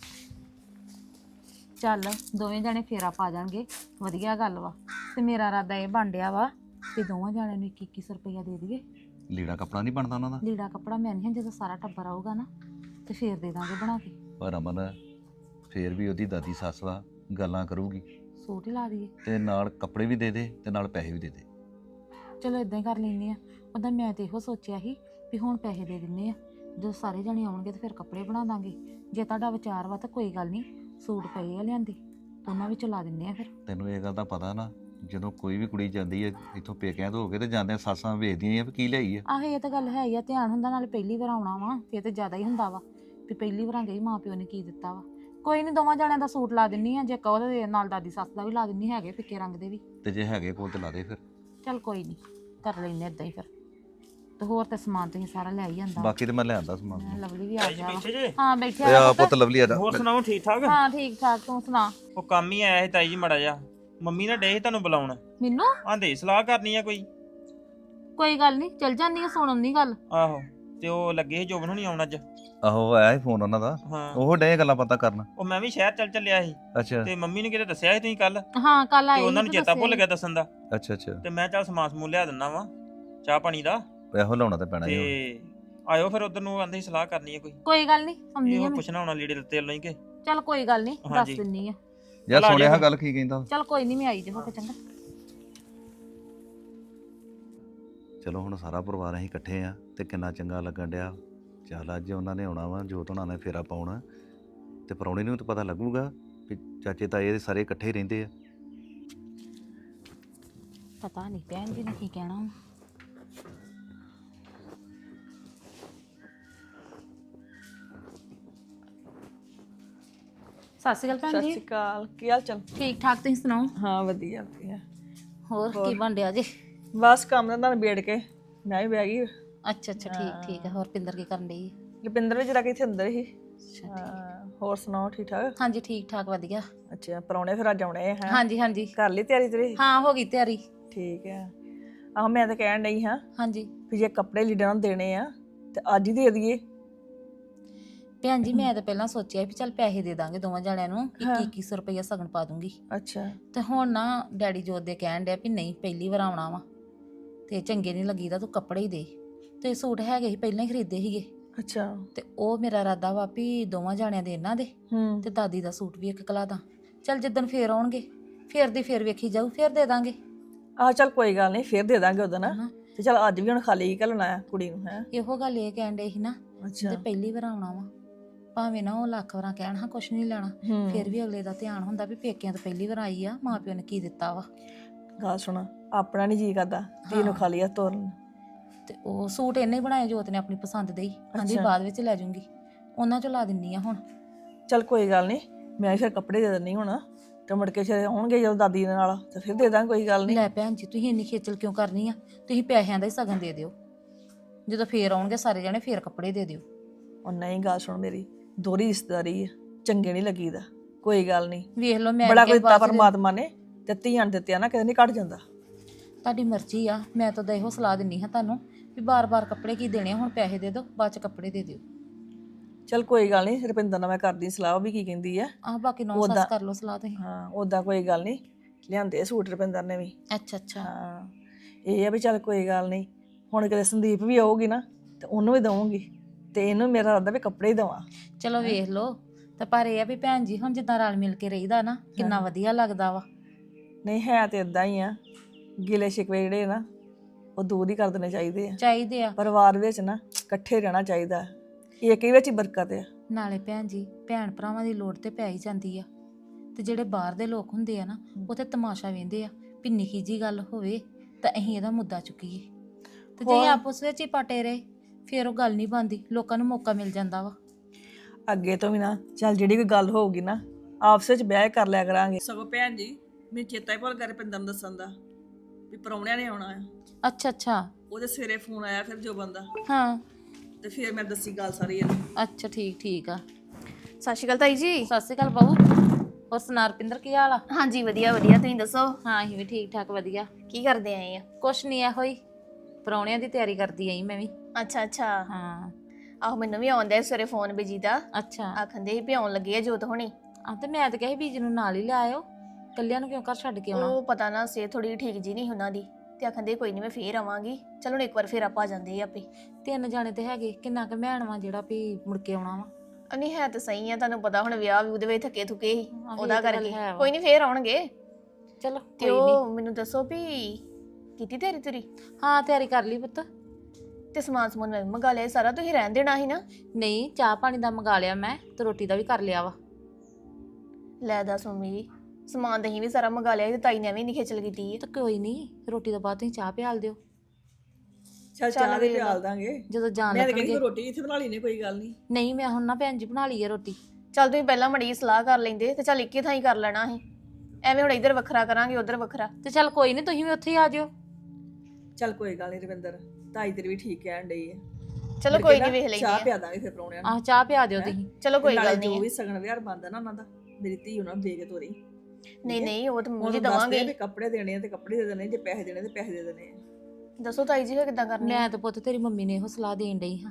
[SPEAKER 4] ਚੱਲ ਦੋਵੇਂ ਜਾਣੇ ਫੇਰਾ ਪਾ ਜਾਣਗੇ, ਵਧੀਆ ਗੱਲ ਵਾ। ਤੇ ਮੇਰਾ ਇਰਾਦਾ ਇਹ ਬਣ ਡਿਆ ਵਾ ਕਿ ਦੋਵਾਂ ਜਾਣਿਆਂ ਨੂੰ ਇੱਕੀ ਇੱਕੀ ਸੌ ਰੁਪਈਆ ਦੇ ਦਈਏ।
[SPEAKER 5] ਲੀੜਾ ਕੱਪੜਾ ਨਹੀਂ ਬਣਦਾ ਉਹਨਾਂ ਦਾ?
[SPEAKER 4] ਲੀੜਾ ਕੱਪੜਾ ਮੈਂ ਨਹੀਂ, ਜਦੋਂ ਸਾਰਾ ਟੱਬਰ ਆਊਗਾ ਨਾ ਤੇ ਫੇਰ ਦੇ ਦਾਂਗੇ ਬਣਾ ਕੇ।
[SPEAKER 5] ਪਰ ਅਮਨ ਫੇਰ ਵੀ ਉਹਦੀ ਦਾਦੀ ਸੱਸ ਵਾ, ਗੱਲਾਂ ਕਰੂਗੀ,
[SPEAKER 4] ਸੂਟ ਹੀ ਲਾ ਦਈਏ।
[SPEAKER 5] ਤੇ ਨਾਲ ਕੱਪੜੇ ਵੀ ਦੇ ਦੇ ਤੇ ਨਾਲ ਪੈਸੇ ਵੀ ਦੇ ਦੇ।
[SPEAKER 4] ਚਲੋ ਇਦਾਂ ਹੀ ਕਰ ਲੈਂਦੇ ਆ। ਉਦਾਂ ਮੈਂ ਤੇ ਇਹੋ ਸੋਚਿਆ ਸੀ ਵੀ ਹੁਣ ਪੈਸੇ ਦੇ ਦਿੰਦੇ ਆ, ਜਦੋਂ ਸਾਰੇ ਜਣੇ ਆਉਣਗੇ ਤੇ ਫਿਰ ਕੱਪੜੇ ਬਣਾ ਦਾਂਗੇ। ਜੇ ਤੁਹਾਡਾ ਵਿਚਾਰ ਵਾ ਤਾਂ ਕੋਈ ਗੱਲ ਨਹੀਂ, ਸੂਟ ਪਏ ਆ ਲਿਆਂਦੇ, ਉਹਨਾਂ ਵਿੱਚ ਲਾ ਦਿੰਦੇ ਆ ਫਿਰ।
[SPEAKER 5] ਤੈਨੂੰ ਇਹ ਗੱਲ ਦਾ ਪਤਾ ਨਾ, ਜਦੋਂ ਕੋਈ ਵੀ ਕੁੜੀ ਜਾਂਦੀ ਹੈ ਇੱਥੋਂ ਪੇਕਿਆਂ ਤੋਂ ਹੋ ਕੇ, ਤੇ ਜਾਂਦੇ ਸਾਸਾਂ ਵੇਖਦੀਆਂ ਆ ਵੀ ਕੀ ਲਿਆਈ ਆ।
[SPEAKER 4] ਆਹੋ ਇਹ ਤਾਂ ਗੱਲ ਹੈ ਹੀ ਆ, ਧਿਆਨ ਹੁੰਦਾ, ਨਾਲੇ ਪਹਿਲੀ ਵਾਰ ਆਉਣਾ ਵਾ ਫਿਰ ਤੇ ਜ਼ਿਆਦਾ ਹੀ ਹੁੰਦਾ ਵਾ ਵੀ ਪਹਿਲੀ ਵਾਰ ਗਈ ਮਾਂ ਪਿਓ ਨੇ ਕੀ ਦਿੱਤਾ ਵਾ। ਕੋਈ ਨਹੀਂ, ਦੋਵਾਂ ਜਣਿਆਂ ਦਾ ਸੂਟ ਲਾ ਦਿੰਨੀ ਆ, ਜੇ ਕਹੋ ਤੇ ਨਾਲ ਦਾਦੀ ਸੱਸ ਦਾ ਵੀ ਲਾ ਦਿੰਨੀ, ਹੈਗੇ ਫਿੱਕੇ ਰੰਗ ਦੇ ਵੀ।
[SPEAKER 5] ਤੇ ਜੇ ਹੈਗੇ ਕੋਲ ਤੇ ਲਾ ਦੇ ਫਿਰ।
[SPEAKER 4] ਚੱਲ ਕੋਈ ਨਹੀਂ, ਕਰ ਲੈਨੇ ਇਦਾਂ ਹੀ ਫਿਰ। ਤੇ ਹੋਰ ਤੇ ਸਮਾਨ ਤੁਸੀਂ ਸਾਰਾ ਲੈ ਹੀ ਜਾਂਦਾ।
[SPEAKER 5] ਬਾਕੀ ਤੇ ਮੈਂ ਲਿਆਂਦਾ ਸਮਾਨ।
[SPEAKER 4] ਲਵਲੀ ਵੀ ਆ ਗਿਆ ਵਾ।
[SPEAKER 3] ਬੈਠੇ ਜੇ?
[SPEAKER 4] ਹਾਂ ਬੈਠੇ
[SPEAKER 5] ਓਏ
[SPEAKER 4] ਆ
[SPEAKER 5] ਆ
[SPEAKER 4] ਪੁੱਤ।
[SPEAKER 5] ਪੁੱਤ ਲਵਲੀ ਆ ਜਾ।
[SPEAKER 3] ਹੋਰ ਸੁਣਾਓ, ਠੀਕ ਠਾਕ?
[SPEAKER 4] ਹਾਂ ਠੀਕ ਠਾਕ, ਤੂੰ ਸੁਣਾ।
[SPEAKER 3] ਉਹ ਕੰਮ ਹੀ ਆਇਆ ਸੀ ਤਾਈ ਜੀ ਮੜਾ ਜਾ, ਮੰਮੀ ਨੇ ਡੇ ਸੀ ਤੁਹਾਨੂੰ ਬੁਲਾਉਣ,
[SPEAKER 4] ਮੈਨੂੰ?
[SPEAKER 3] ਆਂਦੇ ਸਲਾਹ ਕਰਨੀ ਆ ਕੋਈ।
[SPEAKER 4] ਕੋਈ ਗੱਲ ਨਹੀਂ, ਚੱਲ ਜਾਂਦੀ ਆ, ਸੁਣਨ ਦੀ ਗੱਲ।
[SPEAKER 3] ਆਹੋ ਤੇ ਉਹ ਲੱਗੇ ਸੀ ਜੋਬਨ ਹੁਣੀ ਆਉਣ ਅੱਜ।
[SPEAKER 5] ਆਹੋ ਆਇਆ ਸੀ ਫੋਨ ਉਹਨਾਂ ਦਾ,
[SPEAKER 3] ਹਾਂ
[SPEAKER 5] ਉਹ ਡੇ ਗੱਲਾਂ ਪਤਾ ਕਰਨ।
[SPEAKER 3] ਉਹ ਮੈਂ ਵੀ ਸ਼ਹਿਰ ਚੱਲ ਚੱਲਿਆ ਸੀ
[SPEAKER 5] ਅੱਛਾ
[SPEAKER 3] ਤੇ ਮੰਮੀ ਨੂੰ ਕਿਤੇ ਦੱਸਿਆ ਸੀ ਤੁਸੀਂ ਕੱਲ,
[SPEAKER 4] ਹਾਂ ਕੱਲ
[SPEAKER 3] ਤੇ
[SPEAKER 4] ਆਏ
[SPEAKER 3] ਉਹਨਾਂ ਨੂੰ
[SPEAKER 4] ਸੀ ਤੇ
[SPEAKER 3] ਚੇਤਾ ਭੁੱਲ
[SPEAKER 4] ਦੱਸਿਆ
[SPEAKER 3] ਗਿਆ ਦੱਸਣ ਦਾ।
[SPEAKER 5] ਅੱਛਾ ਅੱਛਾ,
[SPEAKER 3] ਤੇ ਮੈਂ ਚੱਲ ਸਮਾਨ ਸਮੂਨ ਲਿਆ ਦਿੰਦਾ ਵਾ ਚਾਹ ਪਾਣੀ ਦਾ,
[SPEAKER 5] ਇਹੋ ਲਾਉਣਾ ਤਾਂ ਪੈਣਾ ਹੀ ਹੁਣ।
[SPEAKER 3] ਤੇ ਆਇਓ ਫਿਰ ਉਧਰ ਨੂੰ ਆਂਦੇ ਸਲਾਹ ਕਰਨੀ ਹੈ ਕੋਈ।
[SPEAKER 4] ਕੋਈ ਗੱਲ ਨਹੀਂ ਆਉਂਦੀ ਆ
[SPEAKER 3] ਇਹ
[SPEAKER 4] ਮੈਂ।
[SPEAKER 3] ਪੁੱਛਣਾ ਹੋਣਾ ਲੀੜੇ ਲੱਤੇ ਵੱਲੋਂ ਹੀ ਕਿ।
[SPEAKER 4] ਚੱਲ ਕੋਈ ਗੱਲ ਨਹੀਂ ਦੱਸ
[SPEAKER 3] ਹਾਂਜੀ।
[SPEAKER 4] ਦਿੰਨੀ ਆ।
[SPEAKER 5] ਯਾਰ
[SPEAKER 3] ਚੱਲ ਆ
[SPEAKER 5] ਸੁਣਿਆ
[SPEAKER 3] ਜਾਇਓ
[SPEAKER 5] ਹਾਂ ਗੱਲ ਕੀ ਕਹਿੰਦਾ।
[SPEAKER 4] ਚੱਲ ਕੋਈ ਨਹੀਂ ਮੈਂ ਆਈ ਜੇ ਹੋ ਕੇ ਚੰਗਾ।
[SPEAKER 5] ਚਲੋ ਹੁਣ ਸਾਰਾ ਪਰਿਵਾਰ ਅਸੀਂ ਇਕੱਠੇ ਆ ਤੇ ਕਿੰਨਾ ਚੰਗਾ ਲੱਗਣ ਡਿਆ। ਚੱਲ ਅੱਜ ਉਹਨਾਂ ਨੇ ਆਉਣਾ ਵਾ, ਜੋਤ ਹੋਣਾ ਨੇ ਫੇਰਾ ਪਾਉਣਾ, ਤੇ ਪ੍ਰਾਹੁਣੇ ਨੂੰ ਤਾਂ ਪਤਾ ਲੱਗੂਗਾ ਵੀ ਚਾਚੇ ਤਾਏ ਦੇ ਸਾਰੇ ਇਕੱਠੇ ਹੀ ਰਹਿੰਦੇ ਆ।
[SPEAKER 4] ਪਤਾ ਨਹੀਂ ਭੈਣ ਜੀ ਨੇ ਕੀ ਕਹਿਣਾ ਵਾ। ਸਤਿ ਸ਼੍ਰੀ ਅਕਾਲ ਭੈਣ
[SPEAKER 2] ਸਤਿ
[SPEAKER 4] ਜੀ।
[SPEAKER 2] ਸ਼੍ਰੀ ਅਕਾਲ, ਕੀ ਹਾਲ ਚਾਲ?
[SPEAKER 4] ਠੀਕ ਠਾਕ ਤੁਸੀਂ ਸੁਣਾਓ?
[SPEAKER 2] ਹਾਂ ਵਧੀਆ ਵਧੀਆ।
[SPEAKER 4] ਹੋਰ ਕੀ ਬਣ ਰਿਹਾ ਜੀ?
[SPEAKER 2] ਬਸ ਕੰਮ ਦਾ ਨਾਲ ਨਿਬੇੜ ਕੇ ਮੈਂ ਵੀ ਬਹਿ ਗਈ।
[SPEAKER 4] ਅੱਛਾ ਅੱਛਾ ਠੀਕ ਠੀਕ ਹੈ। ਹੋਰ ਪਿੰਦਰ ਕੀ ਕਰਨ ਡਈ?
[SPEAKER 2] ਲਪਿੰਦਰ ਵੀ ਜਰਾ ਕਿੱਥੇ ਅੰਦਰ ਹੀ।
[SPEAKER 4] ਅੱਛਾ ਠੀਕ।
[SPEAKER 2] ਹਾਂ, ਹੋਰ ਸੁਣਾਓ ਠੀਕ ਠਾਕ?
[SPEAKER 4] ਹਾਂਜੀ ਠੀਕ ਠਾਕ ਵਧੀਆ।
[SPEAKER 2] ਅੱਛਾ, ਪਰੌਣੇ ਫਿਰ ਅੱਜ ਆਉਣੇ ਹੈ?
[SPEAKER 4] ਹਾਂਜੀ ਹਾਂਜੀ
[SPEAKER 2] ਕਰ ਲਈ ਤਿਆਰੀ ਤੇਰੀ?
[SPEAKER 4] ਹਾਂ ਹੋ ਗਈ ਤਿਆਰੀ।
[SPEAKER 2] ਠੀਕ ਹੈ। ਆਹ ਮੈਂ ਤਾਂ ਕਹਿਣ ਡਈ ਹਾਂ
[SPEAKER 4] ਹਾਂਜੀ
[SPEAKER 2] ਵੀ ਜੇ ਕੱਪੜੇ ਲੀੜਾਂ ਨੂੰ ਦੇਣੇ ਆ ਤੇ ਅੱਜ ਹੀ ਦੇ ਦਈਏ।
[SPEAKER 4] ਭੈਣ ਜੀ ਮੈਂ ਤਾਂ ਪਹਿਲਾਂ ਸੋਚਿਆ ਵੀ ਚੱਲ ਪੈਸੇ ਦੇ ਦਾਂਗੇ ਦੋਵਾਂ ਜਣਿਆਂ ਨੂੰ, ਇੱਕੀ ਇੱਕੀ ਸੌ ਰੁਪਈਆ ਸਗਨ ਪਾ ਦੂੰਗੀ।
[SPEAKER 2] ਅੱਛਾ।
[SPEAKER 4] ਤੇ ਹੁਣ ਨਾ ਡੈਡੀ ਜੋਤ ਦੇ ਕਹਿਣ ਡਿਆ ਵੀ ਨਹੀਂ ਪਹਿਲੀ ਵਾਰ ਆਉਣਾ ਵਾ ਤੇ ਚੰਗੇ ਨਹੀਂ ਲੱਗੀਦਾ, ਤੂੰ ਕੱਪੜੇ ਹੀ ਦੇ। ਤੇ ਸੂਟ ਹੈਗੇ ਸੀ ਪਹਿਲਾਂ ਹੀ ਖਰੀਦੇ ਸੀਗੇ,
[SPEAKER 2] ਅੱਛਾ।
[SPEAKER 4] ਤੇ ਉਹ ਮੇਰਾ ਇਰਾਦਾ ਵਾ ਵੀ ਦੋਵਾਂ ਜਾਣਿਆਂ ਦੇ ਇਹਨਾਂ ਦੇ
[SPEAKER 2] ਹੂੰ।
[SPEAKER 4] ਤੇ ਦਾਦੀ ਦਾ ਸੂਟ ਵੀ ਇੱਕ ਕਲਾ ਦਾ। ਚੱਲ ਜਿੱਦਣ ਫੇਰ ਆਉਣਗੇ ਫੇਰ ਦੀ ਫੇਰ ਵੇਖੀ ਜਾਊ, ਫੇਰ ਦੇ ਦਾਂਗੇ।
[SPEAKER 2] ਆਹ ਚੱਲ ਕੋਈ ਗੱਲ ਨਹੀਂ, ਫੇਰ ਦੇ ਦਾਂਗੇ ਉਦੋਂ ਨਾ।
[SPEAKER 4] ਹਨਾ।
[SPEAKER 2] ਤੇ ਚੱਲ ਅੱਜ ਵੀ ਹੁਣ ਖਾਲੀ ਹੀ ਘੱਲਣਾ ਆ ਕੁੜੀ ਨੂੰ ਹੈ।
[SPEAKER 4] ਇਹੋ ਗੱਲ ਇਹ ਕਹਿਣ ਡੇ ਸੀ ਨਾ
[SPEAKER 2] ਅੱਛਾ।
[SPEAKER 4] ਤੇ ਪਹਿਲੀ ਵਾਰ ਆਉਣਾ ਵਾ, ਭਾਵੇਂ ਨਾ ਉਹ ਲੱਖ ਵਾਰਾਂ ਕਹਿਣ ਹਾਂ ਕੁਛ ਨਹੀਂ ਲੈਣਾ,
[SPEAKER 2] ਹੂੰ।
[SPEAKER 4] ਫਿਰ ਵੀ ਅਗਲੇ ਦਾ ਧਿਆਨ ਹੁੰਦਾ ਵੀ ਪੇਕਿਆਂ ਤੋਂ ਪਹਿਲੀ ਵਾਰ ਆਈ ਆ, ਮਾਂ ਪਿਓ ਨੇ ਕੀ ਦਿੱਤਾ ਵਾ।
[SPEAKER 2] ਗੱਲ ਸੁਣ, ਆਪਣਾ ਨਹੀਂ ਜੀ ਕਰਦਾ ਧੀ ਨੂੰ ਖਾਲੀ ਹੱਥ ਤੋਰਨ।
[SPEAKER 4] ਤੇ ਉਹ ਸੂਟ ਇਹਨੇ ਹੀ ਬਣਾਏ ਜੋਤ ਨੇ ਆਪਣੀ ਪਸੰਦ ਦੇ ਹੀ, ਕਹਿੰਦੀ
[SPEAKER 2] ਅੱਛਾ।
[SPEAKER 4] ਬਾਅਦ ਵਿੱਚ ਲੈ ਜਾਊਂਗੀ, ਉਹਨਾਂ ਚੋਂ ਲਾ ਦਿੰਨੀ ਆ ਹੁਣ।
[SPEAKER 2] ਚੱਲ ਕੋਈ ਗੱਲ ਨਹੀਂ, ਮੈਂ ਫਿਰ ਕੱਪੜੇ ਦੇ ਦਿੰਨੀ ਹੁਣ, ਤੇ ਮੁੜ ਕੇ ਫਿਰ ਆਉਣਗੇ ਜਦੋਂ ਦਾਦੀ ਦੇ ਨਾਲ ਤੇ ਫਿਰ ਦੇ ਦਾਂ, ਕੋਈ ਗੱਲ ਨਹੀਂ।
[SPEAKER 4] ਲੈ ਭੈਣ ਜੀ ਤੁਸੀਂ ਇੰਨੀ ਖੇਚਲ ਕਿਉਂ ਕਰਨੀ ਆ? ਤੁਸੀਂ ਪੈਸਿਆਂ ਦਾ ਹੀ ਸਗਨ ਦੇ ਦਿਓ, ਜਦੋਂ ਫੇਰ ਆਉਣਗੇ ਸਾਰੇ ਜਣੇ ਫੇਰ ਕੱਪੜੇ ਦੇ ਦਿਓ।
[SPEAKER 2] ਉਹ ਨਹੀਂ, ਗੱਲ ਸੁਣ ਮੇਰੀ, ਦੋਹਰੀ ਰਿਸ਼ਤੇਦਾਰੀ ਆ, ਚੰਗੇ ਨਹੀਂ ਲੱਗੀਦਾ। ਕੋਈ ਗੱਲ ਨਹੀਂ,
[SPEAKER 4] ਵੇਖ ਲਓ ਮੈਂ
[SPEAKER 2] ਬੜਾ
[SPEAKER 4] ਕਿਹਾ
[SPEAKER 2] ਕੋਈ ਦਿੱਤਾ
[SPEAKER 4] ਬਾਅਦ ਚ
[SPEAKER 2] ਪਰਮਾਤਮਾ ਨੇ, ਤੇ ਧੀਆਂ ਨੂੰ ਦਿੱਤਿਆ ਨਾ ਕਦੇ ਨਹੀਂ ਘਟ ਜਾਂਦਾ।
[SPEAKER 4] ਤੁਹਾਡੀ ਮਰਜ਼ੀ ਆ, ਮੈਂ ਤਾਂ ਇਹੋ ਸਲਾਹ ਦਿੰਨੀ ਹਾਂ ਤੁਹਾਨੂੰ ਵੀ ਬਾਰ-ਬਾਰ ਕੱਪੜੇ ਕੀ ਦੇਣੇ ਆ, ਹੁਣ ਪੈਸੇ ਦੇ ਦਿਓ, ਬਾਅਦ ਚ ਕੱਪੜੇ ਦੇ ਦਿਓ।
[SPEAKER 2] ਚੱਲ ਕੋਈ ਗੱਲ ਨਹੀਂ, ਰੁਪਿੰਦਰ ਨਾਲ ਮੈਂ ਕਰਦੀ ਸਲਾਹ, ਉਹ ਵੀ ਕੀ ਕਹਿੰਦੀ ਆ।
[SPEAKER 4] ਆਹ ਬਾਕੀ ਨੌ
[SPEAKER 2] ਉੱਦਾਂ-
[SPEAKER 4] ਸੱਸ ਕਰ ਲਓ ਸਲਾਹ ਤੁਸੀਂ।
[SPEAKER 2] ਹਾਂ, ਉਦਾਂ ਕੋਈ ਗੱਲ ਨਹੀਂ, ਲਿਆਂਦੇ ਆ ਸੂਟ ਰੁਪਿੰਦਰ ਨੇ ਵੀ।
[SPEAKER 4] ਅੱਛਾ ਅੱਛਾ
[SPEAKER 2] ਹਾਂ, ਇਹ ਆ ਵੀ ਚੱਲ ਕੋਈ ਗੱਲ ਨਹੀਂ, ਹੁਣ ਕਿਤੇ ਸੰਦੀਪ ਵੀ ਆਊਗੀ ਨਾ ਤੇ ਉਹਨੂੰ ਵੀ ਦਵਾਂਗੀ, ਤੇ ਇਹਨੂੰ ਮੇਰਾ ਇਰਾਦਾ ਵੀ ਕੱਪੜੇ ਹੀ ਦੇਵਾਂ।
[SPEAKER 4] ਚਲੋ ਵੇਖ ਲਓ। ਤੇ ਪਰ ਇਹ ਆ ਵੀ ਭੈਣ ਜੀ ਹੁਣ ਜਿੱਦਾਂ ਰਲ ਮਿਲ ਕੇ ਰਹੀਦਾ ਨਾ, ਕਿੰਨਾ ਵਧੀਆ ਲੱਗਦਾ ਵਾ।
[SPEAKER 2] ਨਹੀਂ ਹੈ ਤੇ ਇਦਾਂ ਹੀ ਆ, ਗਿਲੇ ਸ਼ਿਕਵੇ ਜਿਹੜੇ ਨਾ ਉਹ ਦੂਰ ਹੀ ਕਰ ਦੇਣੇ ਚਾਹੀਦੇ ਆ।
[SPEAKER 4] ਚਾਹੀਦੇ ਆ।
[SPEAKER 2] ਪਰਿਵਾਰ ਵਿੱਚ ਨਾ ਇਕੱਠੇ ਰਹਿਣਾ ਚਾਹੀਦਾ, ਇੱਕ ਹੀ ਵਿੱਚ ਹੀ ਬਰਕਤ ਆ।
[SPEAKER 4] ਨਾਲੇ ਭੈਣ ਜੀ ਭੈਣ ਭਰਾਵਾਂ ਦੀ ਲੋੜ ਤੇ ਪੈ ਹੀ ਜਾਂਦੀ ਆ, ਤੇ ਜਿਹੜੇ ਬਾਹਰ ਦੇ ਲੋਕ ਹੁੰਦੇ ਆ ਨਾ ਉਹ ਤੇ ਤਮਾਸ਼ਾ ਵੇਂਦੇ ਆ ਵੀ ਨਿੱਕੀ ਜੀ ਗੱਲ ਹੋਵੇ ਤਾਂ ਅਸੀਂ ਇਹਦਾ ਮੁੱਦਾ ਚੁੱਕੀਏ, ਤੇ ਜੇ ਆਪਸ ਵਿੱਚ ਹੀ ਪਟੇ ਰਹੇ ਫਿਰ ਉਹ ਗੱਲ ਨਹੀਂ ਬਣਦੀ, ਲੋਕਾਂ ਨੂੰ ਮੌਕਾ ਮਿਲ ਜਾਂਦਾ ਵਾ।
[SPEAKER 2] ਅੱਗੇ ਤੋਂ ਵੀ ਨਾ ਚੱਲ ਜਿਹੜੀ ਕੋਈ ਗੱਲ ਹੋਊਗੀ ਨਾ ਆਪਸ ਵਿੱਚ ਬਹਿ ਕੇ ਕਰ ਲਿਆ ਕਰਾਂਗੇ। ਸਗੋਂ ਭੈਣ ਜੀ ਮੈਨੂੰ ਚੇਤਾ ਹੀ ਭੁੱਲ ਗਿਆ ਰੁਪਿੰਦਰ ਨੂੰ ਦੱਸਣ ਦਾ ਵੀ ਪ੍ਰਾਹੁਣਿਆਂ ਨੇ ਆਉਣਾ ਆ।
[SPEAKER 4] ਅੱਛਾ ਅੱਛਾ
[SPEAKER 2] ਉਹਦੇ ਸਵੇਰੇ ਫੋਨ ਆਇਆ ਫਿਰ ਜੋ ਬੰਦਾ,
[SPEAKER 4] ਹਾਂ
[SPEAKER 2] ਤੇ ਫਿਰ ਮੈਂ ਦੱਸੀ ਗੱਲ ਸਾਰੀ ਇਹਨੂੰ।
[SPEAKER 4] ਅੱਛਾ ਠੀਕ ਠੀਕ ਆ।
[SPEAKER 1] ਸਤਿ ਸ਼੍ਰੀ ਅਕਾਲ ਤਾਈ ਜੀ।
[SPEAKER 4] ਸਤਿ ਸ਼੍ਰੀ ਅਕਾਲ ਬਹੂ। ਹੋਰ ਸੁਣਾ ਰੁਪਿੰਦਰ ਕੀ ਹਾਲ ਆ?
[SPEAKER 1] ਹਾਂਜੀ ਵਧੀਆ ਵਧੀਆ, ਤੁਸੀਂ ਦੱਸੋ
[SPEAKER 4] ਹਾਂ ਅਸੀਂ ਵੀ ਠੀਕ ਠਾਕ ਵਧੀਆ।
[SPEAKER 1] ਕੀ ਕਰਦੇ ਆਏ ਆ?
[SPEAKER 4] ਕੁਛ ਨਹੀਂ ਇਹੋ ਹੀ ਪ੍ਰਾਹੁਣਿਆਂ ਦੀ ਤਿਆਰੀ ਕਰਦੀ ਆਈ ਮੈਂ ਵੀ।
[SPEAKER 1] ਅੱਛਾ ਅੱਛਾ।
[SPEAKER 4] ਹਾਂ
[SPEAKER 1] ਆਹੋ ਮੈਨੂੰ ਵੀ ਆਉਂਦਾ ਸਵੇਰੇ ਫੋਨ ਬਿਜੀ ਦਾ,
[SPEAKER 4] ਅੱਛਾ।
[SPEAKER 1] ਆਖਣ ਦੇ ਸੀ ਵੀ ਆਉਣ ਲੱਗੇ ਆ ਜੋਤ ਹੋਣੀ।
[SPEAKER 4] ਆ ਤੇ ਮੈਂ ਤਾਂ ਕਿਹਾ ਸੀ ਬੀਜੀ ਨੂੰ ਨਾਲ ਹੀ ਲੈ ਆਇਓ, ਕੱਲਿਆਂ ਨੂੰ ਕਿਉਂ ਘਰ ਛੱਡ ਕੇ ਆਉਣਾ?
[SPEAKER 1] ਉਹ ਪਤਾ ਨਾ ਸਿਹਤ ਥੋੜੀ ਠੀਕ ਜੀ ਨਹੀਂ ਉਹਨਾਂ ਦੀ, ਤੇ ਆਖਣ ਦੇ ਕੋਈ ਨਹੀਂ ਮੈਂ ਫੇਰ ਆਵਾਂਗੀ। ਚਲੋ ਹੁਣ ਇੱਕ ਵਾਰ ਫੇਰ ਆਪਾਂ ਜਾਂਦੇ ਆ ਆਪੇ।
[SPEAKER 4] ਤਿੰਨ ਜਾਣੇ ਤੇ ਹੈਗੇ, ਕਿੰਨਾ ਕੁ ਮੈਣ ਵਾ ਜਿਹੜਾ ਵੀ ਮੁੜ ਕੇ ਆਉਣਾ ਵਾ।
[SPEAKER 1] ਨਹੀਂ ਹੈ ਤਾਂ ਸਹੀ ਆ, ਤੁਹਾਨੂੰ ਪਤਾ ਹੁਣ ਵਿਆਹ ਵੀ ਉਹਦੇ ਵਿੱਚ ਥੱਕੇ ਥੁਕੇ ਸੀ,
[SPEAKER 4] ਆਹੋ
[SPEAKER 1] ਉਹਦਾ
[SPEAKER 4] ਇਹ ਤਾਂ ਗੱਲ
[SPEAKER 1] ਕਰਕੇ
[SPEAKER 4] ਹੈ ਵਾ।
[SPEAKER 1] ਕੋਈ ਨਹੀਂ ਫੇਰ ਆਉਣਗੇ।
[SPEAKER 4] ਚਲੋ
[SPEAKER 1] ਤੇ
[SPEAKER 4] ਕੋਈ ਨਹੀਂ।
[SPEAKER 1] ਉਹ ਮੈਨੂੰ ਦੱਸੋ ਵੀ ਕੀਤੀ ਤਿਆਰੀ ਤੁਰੀ?
[SPEAKER 4] ਹਾਂ ਤਿਆਰੀ ਕਰ ਲਈ ਪੁੱਤ।
[SPEAKER 1] ਤੇ ਸਮਾਨ ਸਮੂਨ ਮੈਂ ਵੀ ਮੰਗਾ ਲਿਆ ਸਾਰਾ, ਤੁਸੀਂ ਰਹਿਣ ਦੇਣਾ ਸੀ ਨਾ?
[SPEAKER 4] ਨਹੀਂ ਚਾਹ ਪਾਣੀ ਦਾ ਮੰਗਾ ਲਿਆ ਮੈਂ, ਤੇ ਰੋਟੀ ਦਾ ਵੀ ਕਰ ਲਿਆ ਵਾ।
[SPEAKER 1] ਲੈ ਦੱਸ ਮੰਮੀ ਜੀ, ਸਮਾਨ ਦਹੀਂ ਵੀ ਸਾਰਾ ਮੰਗਾ ਲਿਆ, ਤੇ ਤਾਈ ਨੇ ਵੀ ਨਹੀਂ ਖੇਚਲ ਕੀਤੀ ਹੈ।
[SPEAKER 4] ਤੇ ਕੋਈ ਨਹੀਂ ਰੋਟੀ ਤੋਂ ਬਾਅਦ ਤੁਸੀਂ ਚਾਹ ਪਿਆਲ ਦਿਓ
[SPEAKER 2] ਚੱਲ ਚਾਹ ਦੇ ਪਿਆਲ ਦਾਂਗੇ।
[SPEAKER 4] ਜਦੋਂ ਜਾਣ
[SPEAKER 2] ਮੈਂ ਤਾਂ ਕਹਿੰਦੀ
[SPEAKER 4] ਲੱਗਣਗੇ।
[SPEAKER 2] ਰੋਟੀ ਇੱਥੇ ਬਣਾ ਲਈ ਨੇ, ਕੋਈ ਗੱਲ ਨਹੀਂ।
[SPEAKER 4] ਨਹੀਂ ਮੈਂ ਹੁਣ ਨਾ ਭੈਣ ਜੀ ਬਣਾ ਲਈ ਹੈ ਰੋਟੀ।
[SPEAKER 1] ਚੱਲ ਤੁਸੀਂ ਪਹਿਲਾਂ ਮੜੀ ਸਲਾਹ ਕਰ ਲੈਂਦੇ, ਤੇ ਚੱਲ ਇੱਕੇ ਥਾਂ ਹੀ ਕਰ ਲੈਣਾ ਸੀ, ਐਵੇਂ ਹੁਣ ਇੱਧਰ ਵੱਖਰਾ ਕਰਾਂਗੇ ਉੱਧਰ ਵੱਖਰਾ।
[SPEAKER 4] ਤੇ ਚੱਲ ਕੋਈ ਨਹੀਂ ਤੁਸੀਂ ਵੀ ਉੱਥੇ ਹੀ ਆ ਜਿਓ।
[SPEAKER 2] ਚੱਲ ਕੋਈ ਗੱਲ ਨਹੀਂ ਰਵਿੰਦਰ, ਤਾਈ ਤੇਰੀ ਵੀ ਠੀਕ ਕਹਿਣ ਡਈ ਹੈ।
[SPEAKER 1] ਚਲੋ ਕੋਈ ਨਹੀਂ ਵੇਖ ਲੈਂਦੇ
[SPEAKER 2] ਚਾਹ
[SPEAKER 1] ਆ।
[SPEAKER 2] ਪਿਆ ਦਾਂਗੇ ਫਿਰ ਪ੍ਰਾਹੁਣਿਆਂ ਨੂੰ।
[SPEAKER 4] ਆਹ ਚਾਹ ਪਿਆ ਦਿਓ ਤੁਸੀਂ।
[SPEAKER 1] ਚਲੋ ਕੋਈ
[SPEAKER 2] ਨਾਲੇ
[SPEAKER 1] ਗੱਲ
[SPEAKER 2] ਜੋ
[SPEAKER 1] ਨਹੀਂ
[SPEAKER 2] ਵੀ ਸਗਨ ਵਿਹਾਰ ਬੰਦਾ ਨਾ ਉਹਨਾਂ ਦਾ, ਮੇਰੀ ਧੀ ਉਹਨਾਂ ਨੂੰ ਦੇ ਕੇ ਤੋਰੀ।
[SPEAKER 1] ਨਹੀਂ ਨਹੀਂ ਉਹ ਤਾਂ ਮੰਮੀ
[SPEAKER 2] ਉਹਨੂੰ
[SPEAKER 1] ਜੀ
[SPEAKER 2] ਦੱਸਦੇ
[SPEAKER 1] ਦਵਾਂਗੇ।
[SPEAKER 2] ਵੀ ਕੱਪੜੇ ਦੇਣੇ ਆ ਤੇ ਕੱਪੜੇ ਦੇ ਦੇਣੇ, ਜੇ ਪੈਸੇ ਦੇਣੇ ਤੇ ਪੈਸੇ ਦੇ ਦੇਣੇ ਆ।
[SPEAKER 1] ਦੱਸੋ ਤਾਈ ਜੀ ਫਿਰ ਕਿੱਦਾਂ ਕਰਨੀ?
[SPEAKER 4] ਮੈਂ ਤਾਂ ਪੁੱਤ ਤੇਰੀ ਮੰਮੀ ਨੇ ਇਹੋ ਸਲਾਹ ਦੇਣ ਡਈ ਹਾਂ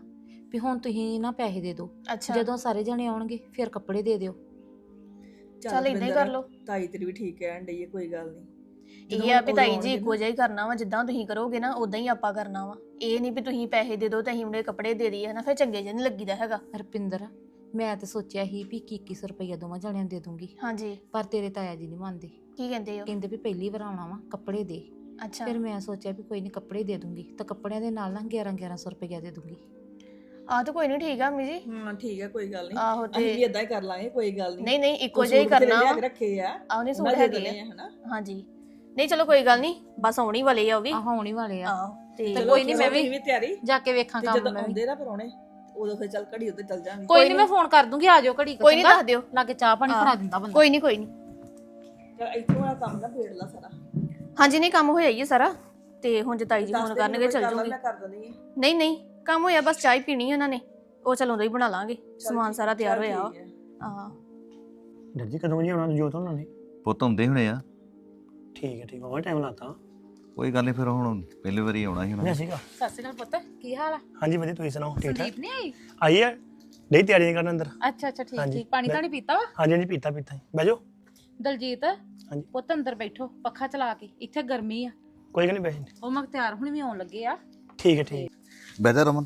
[SPEAKER 4] ਵੀ ਹੁਣ ਤੁਸੀਂ ਨਾ ਪੈਸੇ ਦੇ ਦਿਓ,
[SPEAKER 1] ਅੱਛਾ
[SPEAKER 4] ਜਦੋਂ ਸਾਰੇ ਜਣੇ ਆਉਣਗੇ ਫਿਰ ਕੱਪੜੇ ਦੇ ਦਿਓ।
[SPEAKER 1] ਚੱਲ ਏਦਾਂ ਹੀ ਕਰ ਲਓ।
[SPEAKER 2] ਤਾਈ ਤੇਰੀ ਵੀ ਠੀਕ ਕਹਿਣ ਡਈ ਹੈ, ਕੋਈ ਗੱਲ ਨਹੀਂ।
[SPEAKER 1] ਇਹ ਆ ਵੀ ਤਾਈ ਜੀ ਇੱਕੋ ਜਿਹਾ ਹੀ ਕਰਨਾ ਵਾ, ਜਿੱਦਾਂ ਤੁਸੀਂ ਕਰੋਗੇ ਨਾ ਉਦਾਂ ਹੀ ਆਪਾਂ ਕਰਨਾ ਵਾ। ਇਹ ਨਹੀਂ ਵੀ ਤੁਸੀਂ ਪੈਸੇ ਦੇ ਦਿਓ ਤੇ ਅਸੀਂ ਉਹਨੇ ਕੱਪੜੇ ਦੇ ਦਈਏ ਹਨਾ, ਫਿਰ ਚੰਗੇ ਜਿਹੇ ਨਹੀਂ ਲੱਗੀਦਾ ਹੈਗਾ।
[SPEAKER 4] ਰਪਿੰਦਰ, ਮੈਂ ਤਾਂ ਸੋਚਿਆ ਸੀ ਵੀ ਇੱਕੀ ਸੌ ਰੁਪਈਆ ਦੋਵਾਂ ਜਣਿਆਂ ਨੂੰ ਦੇ ਦੂੰਗੀ,
[SPEAKER 1] ਹਾਂਜੀ
[SPEAKER 4] ਪਰ ਤੇਰੇ ਤਾਇਆ ਜੀ ਨਹੀਂ ਮੰਨਦੇ।
[SPEAKER 1] ਕੀ ਕਹਿੰਦੇ ਹੋ?
[SPEAKER 4] ਕਹਿੰਦੇ ਵੀ ਪਹਿਲੀ ਵਾਰ ਆਉਣਾ ਵਾ, ਕੱਪੜੇ ਦੇ।
[SPEAKER 1] ਅੱਛਾ
[SPEAKER 4] ਫਿਰ ਮੈਂ ਸੋਚਿਆ ਵੀ ਕੋਈ ਨਹੀਂ ਕੱਪੜੇ ਦੇ ਦੂੰਗੀ, ਤਾਂ ਕੱਪੜਿਆਂ ਦੇ ਨਾਲ ਨਾ ਗਿਆਰਾਂ ਗਿਆਰਾਂ ਸੌ ਰੁਪਈਆ ਦੇ ਦੂੰਗੀ।
[SPEAKER 1] ਆਹ ਤਾਂ ਕੋਈ ਨਹੀਂ, ਠੀਕ ਆ ਮੰਮੀ ਜੀ।
[SPEAKER 2] ਹਾਂ ਠੀਕ ਹੈ, ਕੋਈ ਗੱਲ ਨਹੀਂ।
[SPEAKER 1] ਆਹੋ
[SPEAKER 2] ਅਸੀਂ
[SPEAKER 1] ਤੇ
[SPEAKER 2] ਵੀ ਇਦਾਂ ਹੀ ਕਰ ਲਾਂਗੇ, ਕੋਈ ਗੱਲ ਨਹੀਂ।
[SPEAKER 1] ਨਹੀਂ ਨਹੀਂ ਇੱਕੋ ਜਿਹਾ ਹੀ ਕਰਨਾ ਵਾ।
[SPEAKER 2] ਰੱਖੇ ਆ
[SPEAKER 1] ਆਹ ਨਹੀਂ ਸੂਟ
[SPEAKER 2] ਉਹਨਾਂ ਦੇ
[SPEAKER 1] ਹੈਗੇ
[SPEAKER 2] ਦੇਣੇ
[SPEAKER 1] ਆ
[SPEAKER 2] ਆ ਹਨਾ।
[SPEAKER 1] ਹਾਂਜੀ। ਨਹੀਂ ਚਲੋ ਕੋਈ ਗੱਲ ਨਹੀਂ, ਬਸ ਆਉਣੀ ਵਾਲੇ ਆ ਉਹ ਵੀ।
[SPEAKER 4] ਆਹ ਆਉਣੀ ਵਾਲੇ ਆ,
[SPEAKER 1] ਆਹੋ ਤੇ
[SPEAKER 4] ਤੇ ਕੋਈ ਨਹੀਂ ਮੈਂ ਵੀ
[SPEAKER 2] ਵੀ ਤਿਆਰੀ
[SPEAKER 4] ਜਾ ਕੇ ਵੇਖਾਂ
[SPEAKER 2] ਤੇ
[SPEAKER 4] ਕੰਮ
[SPEAKER 2] ਜਦੋਂ
[SPEAKER 4] ਮੈਂ ਵੀ।
[SPEAKER 2] ਆਉਂਦੇ ਨਾ ਪਰੋਣੇ ਉਦੋਂ ਫਿਰ ਚੱਲ ਘੜੀ ਉੱਤੇ ਚੱਲ ਜਾਵਾਂਗੇ।
[SPEAKER 4] ਕੋਈ ਨਹੀਂ ਮੈਂ ਫੋਨ ਕਰ ਦੂੰਗੀ, ਆ ਜਾਓ ਘੜੀ ਕੁ
[SPEAKER 1] ਕੋਈ ਨਹੀਂ
[SPEAKER 4] ਚੰਗਾ?
[SPEAKER 1] ਦੱਸ ਦਿਓ।
[SPEAKER 4] ਲਾਗੇ ਚਾਹ ਪਾਣੀ
[SPEAKER 1] ਹਾਂ।
[SPEAKER 4] ਫੜਾ ਦਿੰਦਾ ਬੰਦਾ।
[SPEAKER 1] ਕੋਈ ਨਹੀਂ ਕੋਈ ਨਹੀਂ।
[SPEAKER 2] ਚੱਲ ਇੱਥੋਂ ਆ ਕੰਮ ਨਾ ਫੇੜ ਲਾ ਸਾਰਾ।
[SPEAKER 1] ਹਾਂਜੀ ਨਹੀਂ ਕੰਮ ਹੋਇਆ ਹੀ ਹੈ ਸਾਰਾ, ਤੇ ਹੁਣ ਜਤਾਈ ਜੀ
[SPEAKER 2] ਦੱਸ
[SPEAKER 1] ਫੋਨ
[SPEAKER 2] ਦੇ
[SPEAKER 1] ਕਰਨਗੇ
[SPEAKER 2] ਮੈਨੂੰ,
[SPEAKER 1] ਚੱਲ
[SPEAKER 2] ਕਰ ਲਾ,
[SPEAKER 1] ਜੂਗੀ।
[SPEAKER 2] ਮੈਂ ਕਰ ਦਿੰਦੀ ਹਾਂ।
[SPEAKER 1] ਨਹੀਂ ਨਹੀਂ ਕੰਮ ਹੋਇਆ, ਬਸ ਚਾਹ ਹੀ ਪੀਣੀ ਉਹਨਾਂ ਨੇ, ਉਹ ਚਲ ਉਦੋਂ ਹੀ ਬਣਾ ਲਾਂਗੇ। ਸਮਾਨ ਸਾਰਾ ਤਿਆਰ
[SPEAKER 2] ਚੱਲ
[SPEAKER 1] ਹੋਇਆ ਵਾ।
[SPEAKER 2] ਠੀਕ ਹੈ।
[SPEAKER 1] ਹਾਂ
[SPEAKER 6] ਡਰ ਜੀ ਕਦੋਂ ਜੀ ਆਉਣਾ ਜੋਤ ਉਹਨਾਂ ਨੇ?
[SPEAKER 5] ਪੁੱਤ ਆਉਂਦੇ ਹੋਣੇ ਆ।
[SPEAKER 6] ਠੀਕ ਹੈ ਠੀਕ ਹੈ, ਟਾਈਮ ਲਾਤਾ।
[SPEAKER 5] ਕੋਈ ਗੱਲ ਨਹੀਂ, ਫਿਰ ਹੁਣ ਪਹਿਲੀ ਵਾਰੀ ਆਉਣਾ ਸੀ ਉਹਨਾਂ
[SPEAKER 6] ਮੈਂ
[SPEAKER 5] ਨੇ।
[SPEAKER 6] ਸੀਗਾ।
[SPEAKER 4] ਸਤਿ ਸ਼੍ਰੀ ਅਕਾਲ ਪੁੱਤ, ਕੀ ਹਾਲ ਆ?
[SPEAKER 6] ਹਾਂਜੀ ਵਧੀਆ, ਤੁਸੀਂ ਸੁਣਾਓ? ਠੀਕ ਠਾਕ
[SPEAKER 4] ਸੰਦੀਪ ਨਹੀਂ ਆਈ?
[SPEAKER 6] ਆਈ ਹੈ, ਨਹੀਂ ਤਿਆਰੀਆਂ ਕਰਨ ਅੰਦਰ।
[SPEAKER 4] ਅੱਛਾ ਅੱਛਾ ਠੀਕ
[SPEAKER 6] ਹਾਂਜੀ।
[SPEAKER 4] ਠੀਕ। ਪਾਣੀ ਤਾਂ ਨਹੀਂ ਪੀਤਾ ਵਾ?
[SPEAKER 6] ਹਾਂਜੀ ਹਾਂਜੀ ਪੀਤਾ ਪੀਤਾ ਜੀ। ਬਹਿ ਜਾਓ।
[SPEAKER 4] ਦਲਜੀਤ
[SPEAKER 6] ਹਾਂਜੀ।
[SPEAKER 4] ਪੁੱਤ ਅੰਦਰ ਬੈਠੋ, ਪੱਖਾ ਚਲਾ ਕੇ, ਇੱਥੇ ਗਰਮੀ ਆ।
[SPEAKER 6] ਕੋਈ ਗੱਲ ਨਹੀਂ ਬਹਿ ਜਾਂਦੇ।
[SPEAKER 4] ਉਹ ਮਖਤਿਆਰ ਹੁਣ ਵੀ ਆਉਣ ਲੱਗੇ ਆ।
[SPEAKER 6] ਠੀਕ ਹੈ ਠੀਕ ਹੈ।
[SPEAKER 5] ਬਹਿ ਜਾ ਰਮਨ।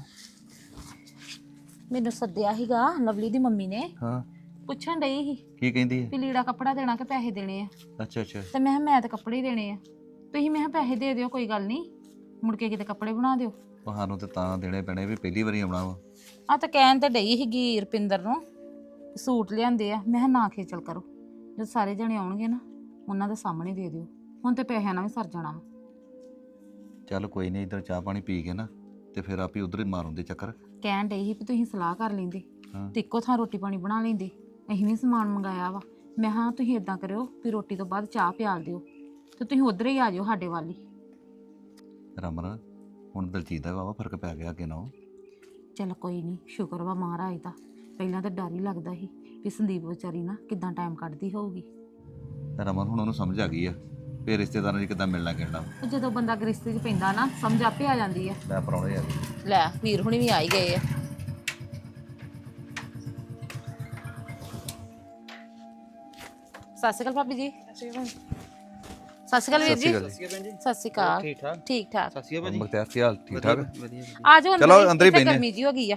[SPEAKER 4] ਮੈਨੂੰ ਸੱਦਿਆ ਸੀਗਾ ਲਵਲੀ ਦੀ ਮੰਮੀ ਨੇ,
[SPEAKER 5] ਹਾਂ
[SPEAKER 4] ਪੁੱਛਣ ਡਈ ਸੀ
[SPEAKER 5] ਕੀ ਕਹਿੰਦੀ ਹੈ?
[SPEAKER 4] ਵੀ ਲੀੜਾ ਕੱਪੜਾ ਦੇਣਾ ਕਿ ਪੈਸੇ ਦੇਣੇ ਆ।
[SPEAKER 5] ਅੱਛਾ ਅੱਛਾ।
[SPEAKER 4] ਤੇ ਮੈਂ ਕਿਹਾ ਮੈਂ ਤਾਂ ਕੱਪੜੇ ਹੀ ਦੇਣੇ ਆ, ਤੁਸੀਂ ਮੈਂ ਕਿਹਾ ਪੈਸੇ ਦੇ ਦਿਓ, ਕੋਈ ਗੱਲ ਨਹੀਂ, ਮੁੜ ਕੇ ਕਿਤੇ ਕੱਪੜੇ ਬਣਾ ਦਿਓ।
[SPEAKER 5] ਸਾਨੂੰ ਤੇ ਤਾਂ ਦੇਣੇ ਪੈਣੇ ਵੀ ਪਹਿਲੀ ਵਾਰੀ ਆਉਣਾ ਵਾ।
[SPEAKER 4] ਆ ਤਾਂ ਕਹਿਣ ਤੇ ਡਈ ਸੀਗੀ ਰੁਪਿੰਦਰ ਨੂੰ, ਸੂਟ ਲਿਆਂਦੇ ਆ। ਮੈਂ ਕਿਹਾ ਨਾ ਖੇਚਲ ਕਰੋ, ਜਦ ਸਾਰੇ ਜਣੇ ਆਉਣਗੇ ਨਾ ਉਹਨਾਂ ਦੇ ਸਾਹਮਣੇ ਦੇ ਦਿਓ, ਹੁਣ ਤੇ ਪੈਸਿਆਂ ਨਾਲ ਵੀ ਸਰ ਜਾਣਾ ਵਾ।
[SPEAKER 5] ਚੱਲ ਕੋਈ ਨਹੀਂ, ਇੱਧਰ ਚਾਹ ਪਾਣੀ ਪੀ ਕੇ ਨਾ ਤੇ ਫਿਰ ਆਪੇ ਉਧਰ ਹੀ ਮਾਰੂੰਦੇ ਚੱਕਰ।
[SPEAKER 4] ਕਹਿਣ ਡਈ ਸੀ ਵੀ ਤੁਸੀਂ ਸਲਾਹ ਕਰ ਲੈਂਦੇ
[SPEAKER 5] ਹਾਂ।
[SPEAKER 4] ਤੇ ਇੱਕੋ ਥਾਂ ਰੋਟੀ ਪਾਣੀ ਬਣਾ ਲੈਂਦੇ। ਅਸੀਂ ਵੀ ਸਮਾਨ ਮੰਗਾਇਆ ਵਾ। ਮੈਂ ਹਾਂ ਤੁਸੀਂ ਇਦਾਂ ਕਰਿਓ ਵੀ ਰੋਟੀ ਤੋਂ ਬਾਅਦ ਚਾਹ ਪਿਆਲ ਦਿਓ ਤੇ ਤੁਸੀਂ ਉਧਰ ਹੀ ਆ ਜਾਓ ਸਾਡੇ ਵੱਲ ਹੀ।
[SPEAKER 5] ਰਮਨ ਹੁਣ ਦਲਜੀਤ ਦਾ ਵਾਵਾ ਫਰਕ ਪੈ ਗਿਆ ਅੱਗੇ ਨਾਲੋਂ।
[SPEAKER 4] ਚੱਲ ਕੋਈ ਨਹੀਂ, ਸ਼ੁਕਰ ਵਾ ਮਹਾਰਾਜ ਦਾ। ਪਹਿਲਾਂ ਤਾਂ ਡਰ ਹੀ ਲੱਗਦਾ ਸੀ ਵੀ ਸੰਦੀਪ ਵਿਚਾਰੀ ਨਾ ਕਿੱਦਾਂ ਟਾਈਮ ਕੱਢਦੀ ਹੋਊਗੀ।
[SPEAKER 5] ਰਮਨ ਹੁਣ ਉਹਨੂੰ ਸਮਝ ਆ ਗਈ ਆ ਵੀ ਰਿਸ਼ਤੇਦਾਰਾਂ ਨੂੰ ਕਿੱਦਾਂ ਮਿਲਣਾ ਕਿਹੜਾ।
[SPEAKER 4] ਉਹ ਜਦੋਂ ਬੰਦਾ ਗ੍ਰਿਸ਼ਤੇ 'ਚ ਪੈਂਦਾ ਨਾ ਸਮਝ ਆਪੇ ਆ ਜਾਂਦੀ ਆ।
[SPEAKER 5] ਮੈਂ ਪਰੌਣੇ ਆ ਗਏ।
[SPEAKER 4] ਲੈ ਵੀਰ ਹੁਣੀ ਵੀ ਆ ਹੀ ਗਏ ਆ। ਸਤਿ ਸ਼੍ਰੀ ਅਕਾਲ ਭਾਬੀ ਜੀ। ਸਤਿ ਸ਼੍ਰੀ ਅਕਾਲ ਵੀਰ ਜੀ। ਸਤਿ ਸ਼੍ਰੀ ਅਕਾਲ।
[SPEAKER 3] ਠੀਕ ਠਾਕ।
[SPEAKER 4] ਠੀਕ ਠਾਕ।
[SPEAKER 3] ਸਤਿ ਸ਼੍ਰੀ ਅਕਾਲ
[SPEAKER 5] ਮੁਖਤਿਆਰ ਕੀ ਹਾਲ? ਠੀਕ ਠਾਕ?
[SPEAKER 3] ਵਧੀਆ।
[SPEAKER 4] ਆ ਜਾਓ
[SPEAKER 5] ਚਲੋ
[SPEAKER 4] ਹੀ,
[SPEAKER 5] ਅੰਦਰ ਹੀ
[SPEAKER 4] ਇੱਥੇ
[SPEAKER 5] ਬਹਿਨੇ।
[SPEAKER 4] ਗਰਮੀ ਜੀ ਹੋ ਗਈ ਆ।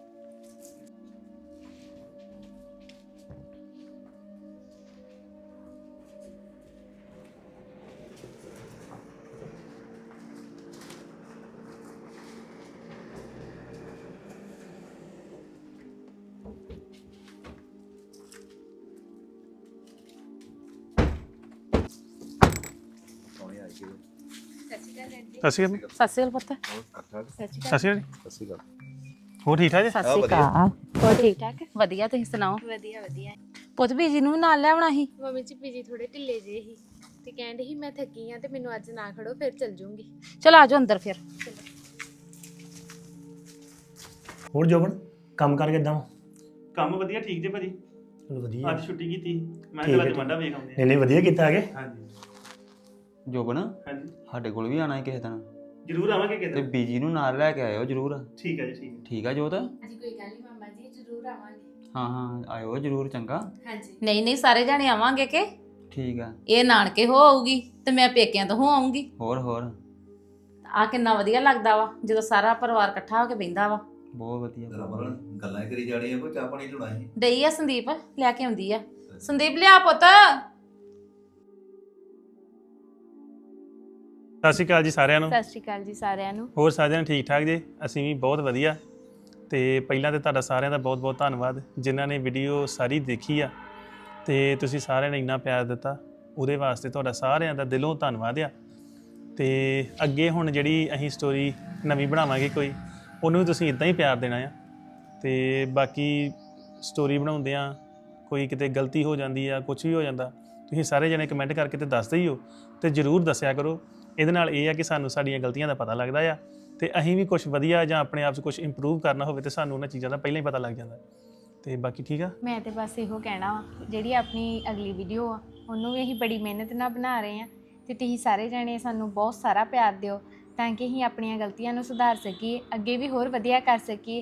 [SPEAKER 6] ਸਤਿ ਸ਼੍ਰੀ ਅਕਾਲ।
[SPEAKER 4] ਸਤਿ ਸ਼੍ਰੀ ਅਕਾਲ ਪੁੱਤ।
[SPEAKER 6] ਸਤਿ ਸ਼੍ਰੀ ਅਕਾਲ।
[SPEAKER 5] ਸਤਿ ਸ਼੍ਰੀ ਅਕਾਲ।
[SPEAKER 6] ਹੋਰ ਠੀਕ ਠਾਕ ਜੀ?
[SPEAKER 4] ਸਤਿ ਸ਼੍ਰੀ ਅਕਾਲ। ਹੋਰ ਠੀਕ ਠਾਕ? ਵਧੀਆ, ਤੁਸੀਂ ਸੁਣਾਓ?
[SPEAKER 7] ਵਧੀਆ ਵਧੀਆ।
[SPEAKER 4] ਪੁੱਤ ਬੀਜੀ ਨੂੰ ਵੀ ਨਾਲ ਲੈ ਆਉਣਾ ਸੀ।
[SPEAKER 7] ਮੰਮੀ ਜੀ ਪੀਜੀ ਥੋੜੇ ਢਿੱਲੇ ਜਿਹੇ ਸੀ ਤੇ ਕਹਿੰਦੇ ਸੀ ਮੈਂ ਥੱਕੀ ਆ ਤੇ ਮੈਨੂੰ ਅੱਜ ਨਾ ਖੜੋ ਫਿਰ ਚੱਲ ਜੂੰਗੀ।
[SPEAKER 4] ਚਲ ਆ ਜਾਓ ਅੰਦਰ ਫਿਰ।
[SPEAKER 6] ਹੋਰ ਜੋਬਨ ਕੰਮ ਕਰ ਕਿੱਦਾਂ?
[SPEAKER 8] ਕੰਮ ਵਧੀਆ ਠੀਕ ਜੇ ਭਾਜੀ।
[SPEAKER 6] ਚਲੋ ਵਧੀਆ।
[SPEAKER 8] ਅੱਜ ਛੁੱਟੀ ਕੀਤੀ ਮੈਂ
[SPEAKER 6] ਠੀਕ
[SPEAKER 8] ਕਿਹਾ
[SPEAKER 6] ਹੈ,
[SPEAKER 8] ਅੱਜ ਮੰਡਾ ਵੇਖ ਆਉਂਦੇ
[SPEAKER 6] ਨਹੀਂ ਨਹੀਂ ਵਧੀਆ ਕੀਤਾ ਹੈਗੇ।
[SPEAKER 8] ਆ। ਹਾਂਜੀ
[SPEAKER 3] ਜੋਬਨ
[SPEAKER 8] ਹਾਂਜੀ
[SPEAKER 3] ਸਾਡੇ ਕੋਲ ਵੀ ਆਣਾ ਹੈ ਕਿਸੇ ਦਿਨ,
[SPEAKER 8] ਜ਼ਰੂਰ ਆਵਾਂਗੇ
[SPEAKER 3] ਤੇ
[SPEAKER 8] ਕਿਤੇ।
[SPEAKER 3] ਬੀਜੀ ਨੂੰ ਨਾਲ ਲੈ ਕੇ ਆਇਓ ਜਰੂਰ।
[SPEAKER 8] ਠੀਕ ਹੈ ਜੀ ਠੀਕ ਹੈ।
[SPEAKER 3] ਠੀਕ ਆ ਜੋਤ?
[SPEAKER 7] ਹਾਂਜੀ ਕੋਈ ਗੱਲ ਨਹੀਂ ਮਾਮਾ ਜੀ ਜ਼ਰੂਰ ਆਵਾਂਗੇ।
[SPEAKER 3] ਹਾਂ ਹਾਂ ਆਇਓ ਜਰੂਰ, ਚੰਗਾ।
[SPEAKER 7] ਹਾਂਜੀ
[SPEAKER 4] ਨਹੀਂ ਨਹੀਂ ਸਾਰੇ ਜਾਣੇ ਆਵਾਂਗੇ ਕਿ
[SPEAKER 3] ਠੀਕ ਆ।
[SPEAKER 4] ਇਹ ਨਾਨਕੇ ਹੋ ਆਊਗੀ ਤੇ ਮੈਂ ਪੇਕਿਆਂ ਤੋਂ ਹੋ ਆਉਂਗੀ।
[SPEAKER 3] ਹੋਰ ਹੋਰ
[SPEAKER 4] ਆ ਕਿੰਨਾ ਵਧੀਆ ਲੱਗਦਾ ਵਾ ਜਦੋਂ ਸਾਰਾ ਪਰਿਵਾਰ ਇਕੱਠਾ ਹੋ ਕੇ ਬਹਿੰਦਾ ਵਾ।
[SPEAKER 3] ਬਹੁਤ ਵਧੀਆ।
[SPEAKER 5] ਰਮਨ ਗੱਲਾਂ ਹੀ ਕਰੀ ਜਾਣੀਆਂ, ਕੋਈ ਚਾਹ ਪਾਣੀ ਚੜਾਈ ਸੀ।
[SPEAKER 4] ਡਈ ਆ ਸੰਦੀਪ ਲੈ ਕੇ ਆਉਂਦੀ ਆ। ਸੰਦੀਪ ਲਿਆ ਪੁੱਤ।
[SPEAKER 8] ਸਤਿ ਸ਼੍ਰੀ ਅਕਾਲ ਜੀ ਸਾਰਿਆਂ ਨੂੰ।
[SPEAKER 7] ਸਤਿ ਸ਼੍ਰੀ ਅਕਾਲ ਜੀ ਸਾਰਿਆਂ ਨੂੰ।
[SPEAKER 8] ਹੋਰ ਸਾਰਿਆਂ ਨੂੰ ਠੀਕ ਠਾਕ ਜੀ? ਅਸੀਂ ਵੀ ਬਹੁਤ ਵਧੀਆ। ਤੇ ਪਹਿਲਾਂ ਤੇ ਤੁਹਾਡਾ ਸਾਰਿਆਂ ਦਾ ਬਹੁਤ ਬਹੁਤ ਧੰਨਵਾਦ ਜਿਨ੍ਹਾਂ ਨੇ ਵੀਡੀਓ ਸਾਰੀ ਦੇਖੀ ਆ ਤੇ ਤੁਸੀਂ ਸਾਰਿਆਂ ਨੇ ਇੰਨਾ ਪਿਆਰ ਦਿੱਤਾ, ਉਹਦੇ ਵਾਸਤੇ ਤੁਹਾਡਾ ਸਾਰਿਆਂ ਦਾ ਦਿਲੋਂ ਧੰਨਵਾਦ ਆ। ਤੇ ਅੱਗੇ ਹੁਣ ਜਿਹੜੀ ਅਸੀਂ ਸਟੋਰੀ ਨਵੀਂ ਬਣਾਵਾਂਗੇ ਕੋਈ, ਉਹਨੂੰ ਵੀ ਤੁਸੀਂ ਇਦਾਂ ਹੀ ਪਿਆਰ ਦੇਣਾ ਆ। ਤੇ ਬਾਕੀ ਸਟੋਰੀ ਬਣਾਉਂਦਿਆਂ ਕੋਈ ਕਿਤੇ ਗਲਤੀ ਹੋ ਜਾਂਦੀ ਆ, ਕੁਝ ਵੀ ਹੋ ਜਾਂਦਾ, ਤੁਸੀਂ ਸਾਰੇ ਜਣੇ ਕਮੈਂਟ ਕਰਕੇ ਤੇ ਦੱਸਦੇ ਹੀ ਹੋ, ਤੇ ਜ਼ਰੂਰ ਦੱਸਿਆ ਕਰੋ। ਇਹਦੇ ਨਾਲ ਇਹ ਆ ਕਿ ਸਾਨੂੰ ਸਾਡੀਆਂ ਗਲਤੀਆਂ ਦਾ ਪਤਾ ਲੱਗਦਾ ਆ, ਤੇ ਅਸੀਂ ਵੀ ਕੁਝ ਵਧੀਆ ਜਾਂ ਆਪਣੇ ਆਪ 'ਚ ਕੁਝ ਇੰਪਰੂਵ ਕਰਨਾ ਹੋਵੇ ਤੇ ਸਾਨੂੰ ਉਹਨਾਂ ਚੀਜ਼ਾਂ ਦਾ ਪਹਿਲਾਂ ਹੀ ਪਤਾ ਲੱਗ ਜਾਂਦਾ। ਤੇ ਬਾਕੀ ਠੀਕ ਆ।
[SPEAKER 7] ਮੈਂ ਤੇ ਬਸ ਇਹੋ ਕਹਿਣਾ ਵਾ, ਜਿਹੜੀ ਆਪਣੀ ਅਗਲੀ ਵੀਡੀਓ ਆ ਉਹਨੂੰ ਵੀ ਅਸੀਂ ਬੜੀ ਮਿਹਨਤ ਨਾਲ ਬਣਾ ਰਹੇ ਆ ਤੇ ਤੁਸੀਂ ਸਾਰੇ ਜਣੇ ਸਾਨੂੰ ਬਹੁਤ ਸਾਰਾ ਪਿਆਰ ਦਿਓ ਤਾਂ ਕਿ ਅਸੀਂ ਆਪਣੀਆਂ ਗਲਤੀਆਂ ਨੂੰ ਸੁਧਾਰ ਸਕੀਏ, ਅੱਗੇ ਵੀ ਹੋਰ ਵਧੀਆ ਕਰ ਸਕੀਏ।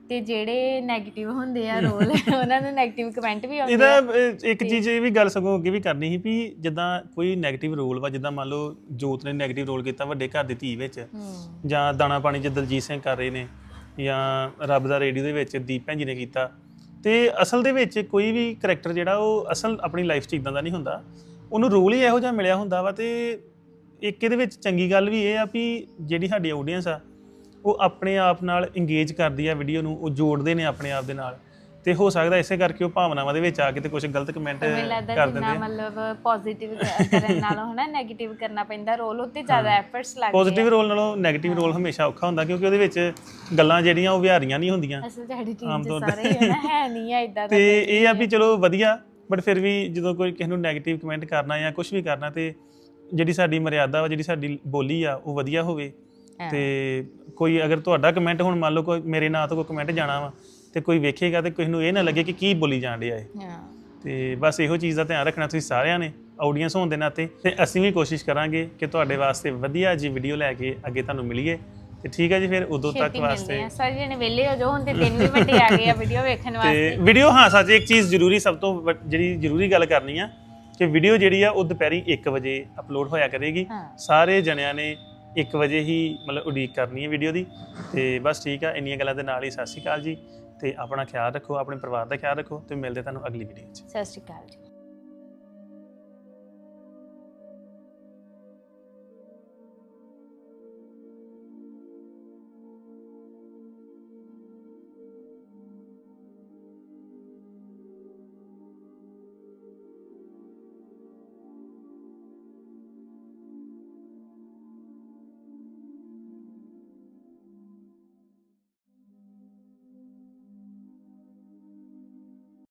[SPEAKER 7] ਤੇ ਜਿਹੜੇ 네ਗੇਟਿਵ ਹੁੰਦੇ ਆ ਰੋਲ ਉਹਨਾਂ ਨੂੰ 네ਗੇਟਿਵ ਕਮੈਂਟ ਵੀ ਆਉਂਦੇ
[SPEAKER 8] ਇਹਦਾ
[SPEAKER 7] ਆ
[SPEAKER 8] ਅਹ, ਇੱਕ ਚੀਜ਼ ਇਹ ਵੀ ਗੱਲ ਸਗੋਂ ਅੱਗੇ ਵੀ ਕਰਨੀ ਸੀ ਵੀ ਜਿੱਦਾਂ ਕੋਈ 네ਗੇਟਿਵ ਰੋਲ ਵਾ, ਜਿੱਦਾਂ ਮੰਨ ਲਓ ਜੋਤ ਨੇ 네ਗੇਟਿਵ ਰੋਲ ਕੀਤਾ ਵੱਡੇ ਘਰ ਦੀ ਧੀ ਵਿੱਚ, ਜਾਂ ਦਾਣਾ ਪਾਣੀ 'ਚ ਦਲਜੀਤ ਸਿੰਘ ਕਰ ਰਹੇ ਨੇ, ਜਾਂ ਰੱਬ ਦਾ ਰੇਡੀਓ ਦੇ ਵਿੱਚ ਦੀਪ ਭੈਣ ਜੀ ਨੇ ਕੀਤਾ। ਤੇ ਅਸਲ ਦੇ ਵਿੱਚ ਕੋਈ ਵੀ ਕਰੈਕਟਰ ਜਿਹੜਾ ਉਹ ਅਸਲ ਆਪਣੀ ਲਾਈਫ 'ਚ ਇਦਾਂ ਦਾ ਨਹੀਂ ਹੁੰਦਾ, ਉਹਨੂੰ ਰੋਲ ਹੀ ਇਹੋ ਜਿਹਾ ਮਿਲਿਆ ਹੁੰਦਾ ਵਾ। ਤੇ ਇੱਕ ਇਹਦੇ ਵਿੱਚ ਚੰਗੀ ਗੱਲ ਵੀ ਇਹ ਆ ਵੀ ਜਿਹੜੀ ਸਾਡੀ ਆਡੀਅנס ਆ ਉਹ ਆਪਣੇ ਆਪ ਨਾਲ ਇੰਗੇਜ ਕਰਦੀ ਆ ਵੀਡੀਓ ਨੂੰ, ਉਹ ਜੋੜਦੇ ਨੇ ਆਪਣੇ ਆਪ ਦੇ ਨਾਲ। ਤੇ ਹੋ ਸਕਦਾ ਇਸੇ ਕਰਕੇ ਉਹ ਭਾਵਨਾਵਾਂ ਦੇ ਵਿੱਚ ਆ ਕੇ ਤੇ ਕੁਝ ਗਲਤ ਕਮੈਂਟ
[SPEAKER 7] ਮੈਨੂੰ ਲੱਗਦਾ
[SPEAKER 8] ਕਰ
[SPEAKER 7] ਜਿੰਨਾ
[SPEAKER 8] ਦਿੰਦੇ ਆ।
[SPEAKER 7] ਮਤਲਬ ਪੋਜ਼ਿਟਿਵ ਕਰਨ ਨਾਲੋਂ ਹਨਾ 네ਗੇਟਿਵ ਕਰਨਾ ਪੈਂਦਾ ਰੋਲ, ਉੱਤੇ ਜ਼ਿਆਦਾ ਐਫਰਟਸ ਲੱਗਦੇ
[SPEAKER 8] ਪੋਜ਼ਿਟਿਵ
[SPEAKER 7] ਆ।
[SPEAKER 8] ਰੋਲ ਨਾਲੋਂ 네ਗੇਟਿਵ ਰੋਲ ਹਮੇਸ਼ਾ ਔਖਾ ਹੁੰਦਾ, ਕਿਉਂਕਿ ਉਹਦੇ ਵਿੱਚ ਗੱਲਾਂ ਜਿਹੜੀਆਂ ਉਹ ਵਿਹਾਰੀਆਂ ਨਹੀਂ ਹੁੰਦੀਆਂ।
[SPEAKER 7] ਅਸਲ 'ਚ ਸਾਡੀ ਟੀਮ
[SPEAKER 8] ਆਮ
[SPEAKER 7] 'ਚ
[SPEAKER 8] ਤੌਰ
[SPEAKER 7] ਸਾਰੇ ਹੀ ਹਨਾ ਹੈ ਨਹੀਂ ਆ ਇਦਾਂ ਦਾ
[SPEAKER 8] ਤੇ
[SPEAKER 7] ਕੋਈ
[SPEAKER 8] ਇਹ ਆ ਵੀ ਚਲੋ ਵਧੀਆ, ਬਟ ਫਿਰ ਵੀ ਜਦੋਂ ਕੋਈ ਕਿਸੇ ਨੂੰ 네ਗੇਟਿਵ ਕਮੈਂਟ ਕਰਨਾ ਜਾਂ ਕੁਝ ਵੀ ਕਰਨਾ, ਤੇ ਜਿਹੜੀ ਸਾਡੀ ਮਰਿਆਦਾ ਵਾ, ਜਿਹੜੀ ਸਾਡੀ ਬੋਲੀ ਆ ਉਹ ਵਧੀਆ ਹੋਵੇ। ਤੇ ਕੋਈ ਅਗਰ ਤੁਹਾਡਾ ਕਮੈਂਟ ਹੁਣ ਮੰਨ ਲਓ ਕੋਈ ਮੇਰੇ ਨਾਂ ਤੋਂ ਕੋਈ ਕਮੈਂਟ ਜਾਣਾ ਵਾ ਤੇ ਕੋਈ ਵੇਖੇਗਾ ਤੇ ਕਿਸੇ ਨੂੰ ਇਹ ਨਾ ਲੱਗੇ ਕਿ ਕੀ ਬੋਲੀ ਜਾਣ ਡਿਆ ਇਹ।
[SPEAKER 7] ਹਾਂ
[SPEAKER 8] ਤੇ ਬਸ ਇਹੋ ਚੀਜ਼ ਦਾ ਧਿਆਨ ਰੱਖਣਾ ਤੁਸੀਂ ਸਾਰਿਆਂ ਨੇ, ਆਡੀਅנס ਹੋਣ ਦੇ ਨਾਤੇ। ਤੇ ਅਸੀਂ ਵੀ ਕੋਸ਼ਿਸ਼ ਕਰਾਂਗੇ ਕਿ ਤੁਹਾਡੇ ਵਾਸਤੇ ਵਧੀਆ ਜੀ ਵੀਡੀਓ ਲੈ ਕੇ ਅੱਗੇ ਤੁਹਾਨੂੰ ਮਿਲੀਏ। ਤੇ ਠੀਕ ਹੈ ਜੀ, ਫਿਰ ਉਦੋਂ ਤੱਕ
[SPEAKER 7] ਛੇਤੀ ਮਿਲਦੇ
[SPEAKER 8] ਵਾਸਤੇ
[SPEAKER 7] ਆ ਸਾਰੇ ਜਣੇ ਵਿਹਲੇ ਹੋ ਜਾਓ ਹੁਣ, ਤੇ ਦਿਨ ਵੀ ਵੱਡੇ ਆ ਗਏ ਆ ਵੀਡੀਓ ਵੇਖਣ ਵਾਸਤੇ।
[SPEAKER 8] ਤੇ ਵੀਡੀਓ, ਹਾਂ ਸੱਚ ਇੱਕ ਚੀਜ਼ ਜ਼ਰੂਰੀ, ਸਭ ਤੋਂ ਵੱਡ- ਜਿਹੜੀ ਜ਼ਰੂਰੀ ਗੱਲ ਕਰਨੀ ਆ ਕਿ ਵੀਡੀਓ ਜਿਹੜੀ ਆ ਉਹ ਦੁਪਹਿਰੀ ਇੱਕ ਵਜੇ ਅਪਲੋਡ ਹੋਇਆ ਕਰੇਗੀ।
[SPEAKER 7] ਹਾਂ।
[SPEAKER 8] ਸਾਰੇ ਜਣਿਆਂ ਨੇ ਇੱਕ ਵਜੇ ਹੀ ਮਤਲਬ ਉਡੀਕ ਕਰਨੀ ਹੈ ਵੀਡੀਓ ਦੀ। ਤੇ ਬਸ ਠੀਕ ਆ, ਇੰਨੀਆਂ ਗੱਲਾਂ ਦੇ ਨਾਲ ਹੀ ਸਤਿ ਸ਼੍ਰੀ ਅਕਾਲ ਜੀ। ਤੇ ਆਪਣਾ ਖਿਆਲ ਰੱਖੋ, ਆਪਣੇ ਪਰਿਵਾਰ ਦਾ ਖਿਆਲ ਰੱਖੋ, ਤੇ ਮਿਲਦੇ ਤੁਹਾਨੂੰ ਅਗਲੀ ਵੀਡੀਓ 'ਚ।
[SPEAKER 7] ਸਤਿ ਸ਼੍ਰੀ ਅਕਾਲ ਜੀ।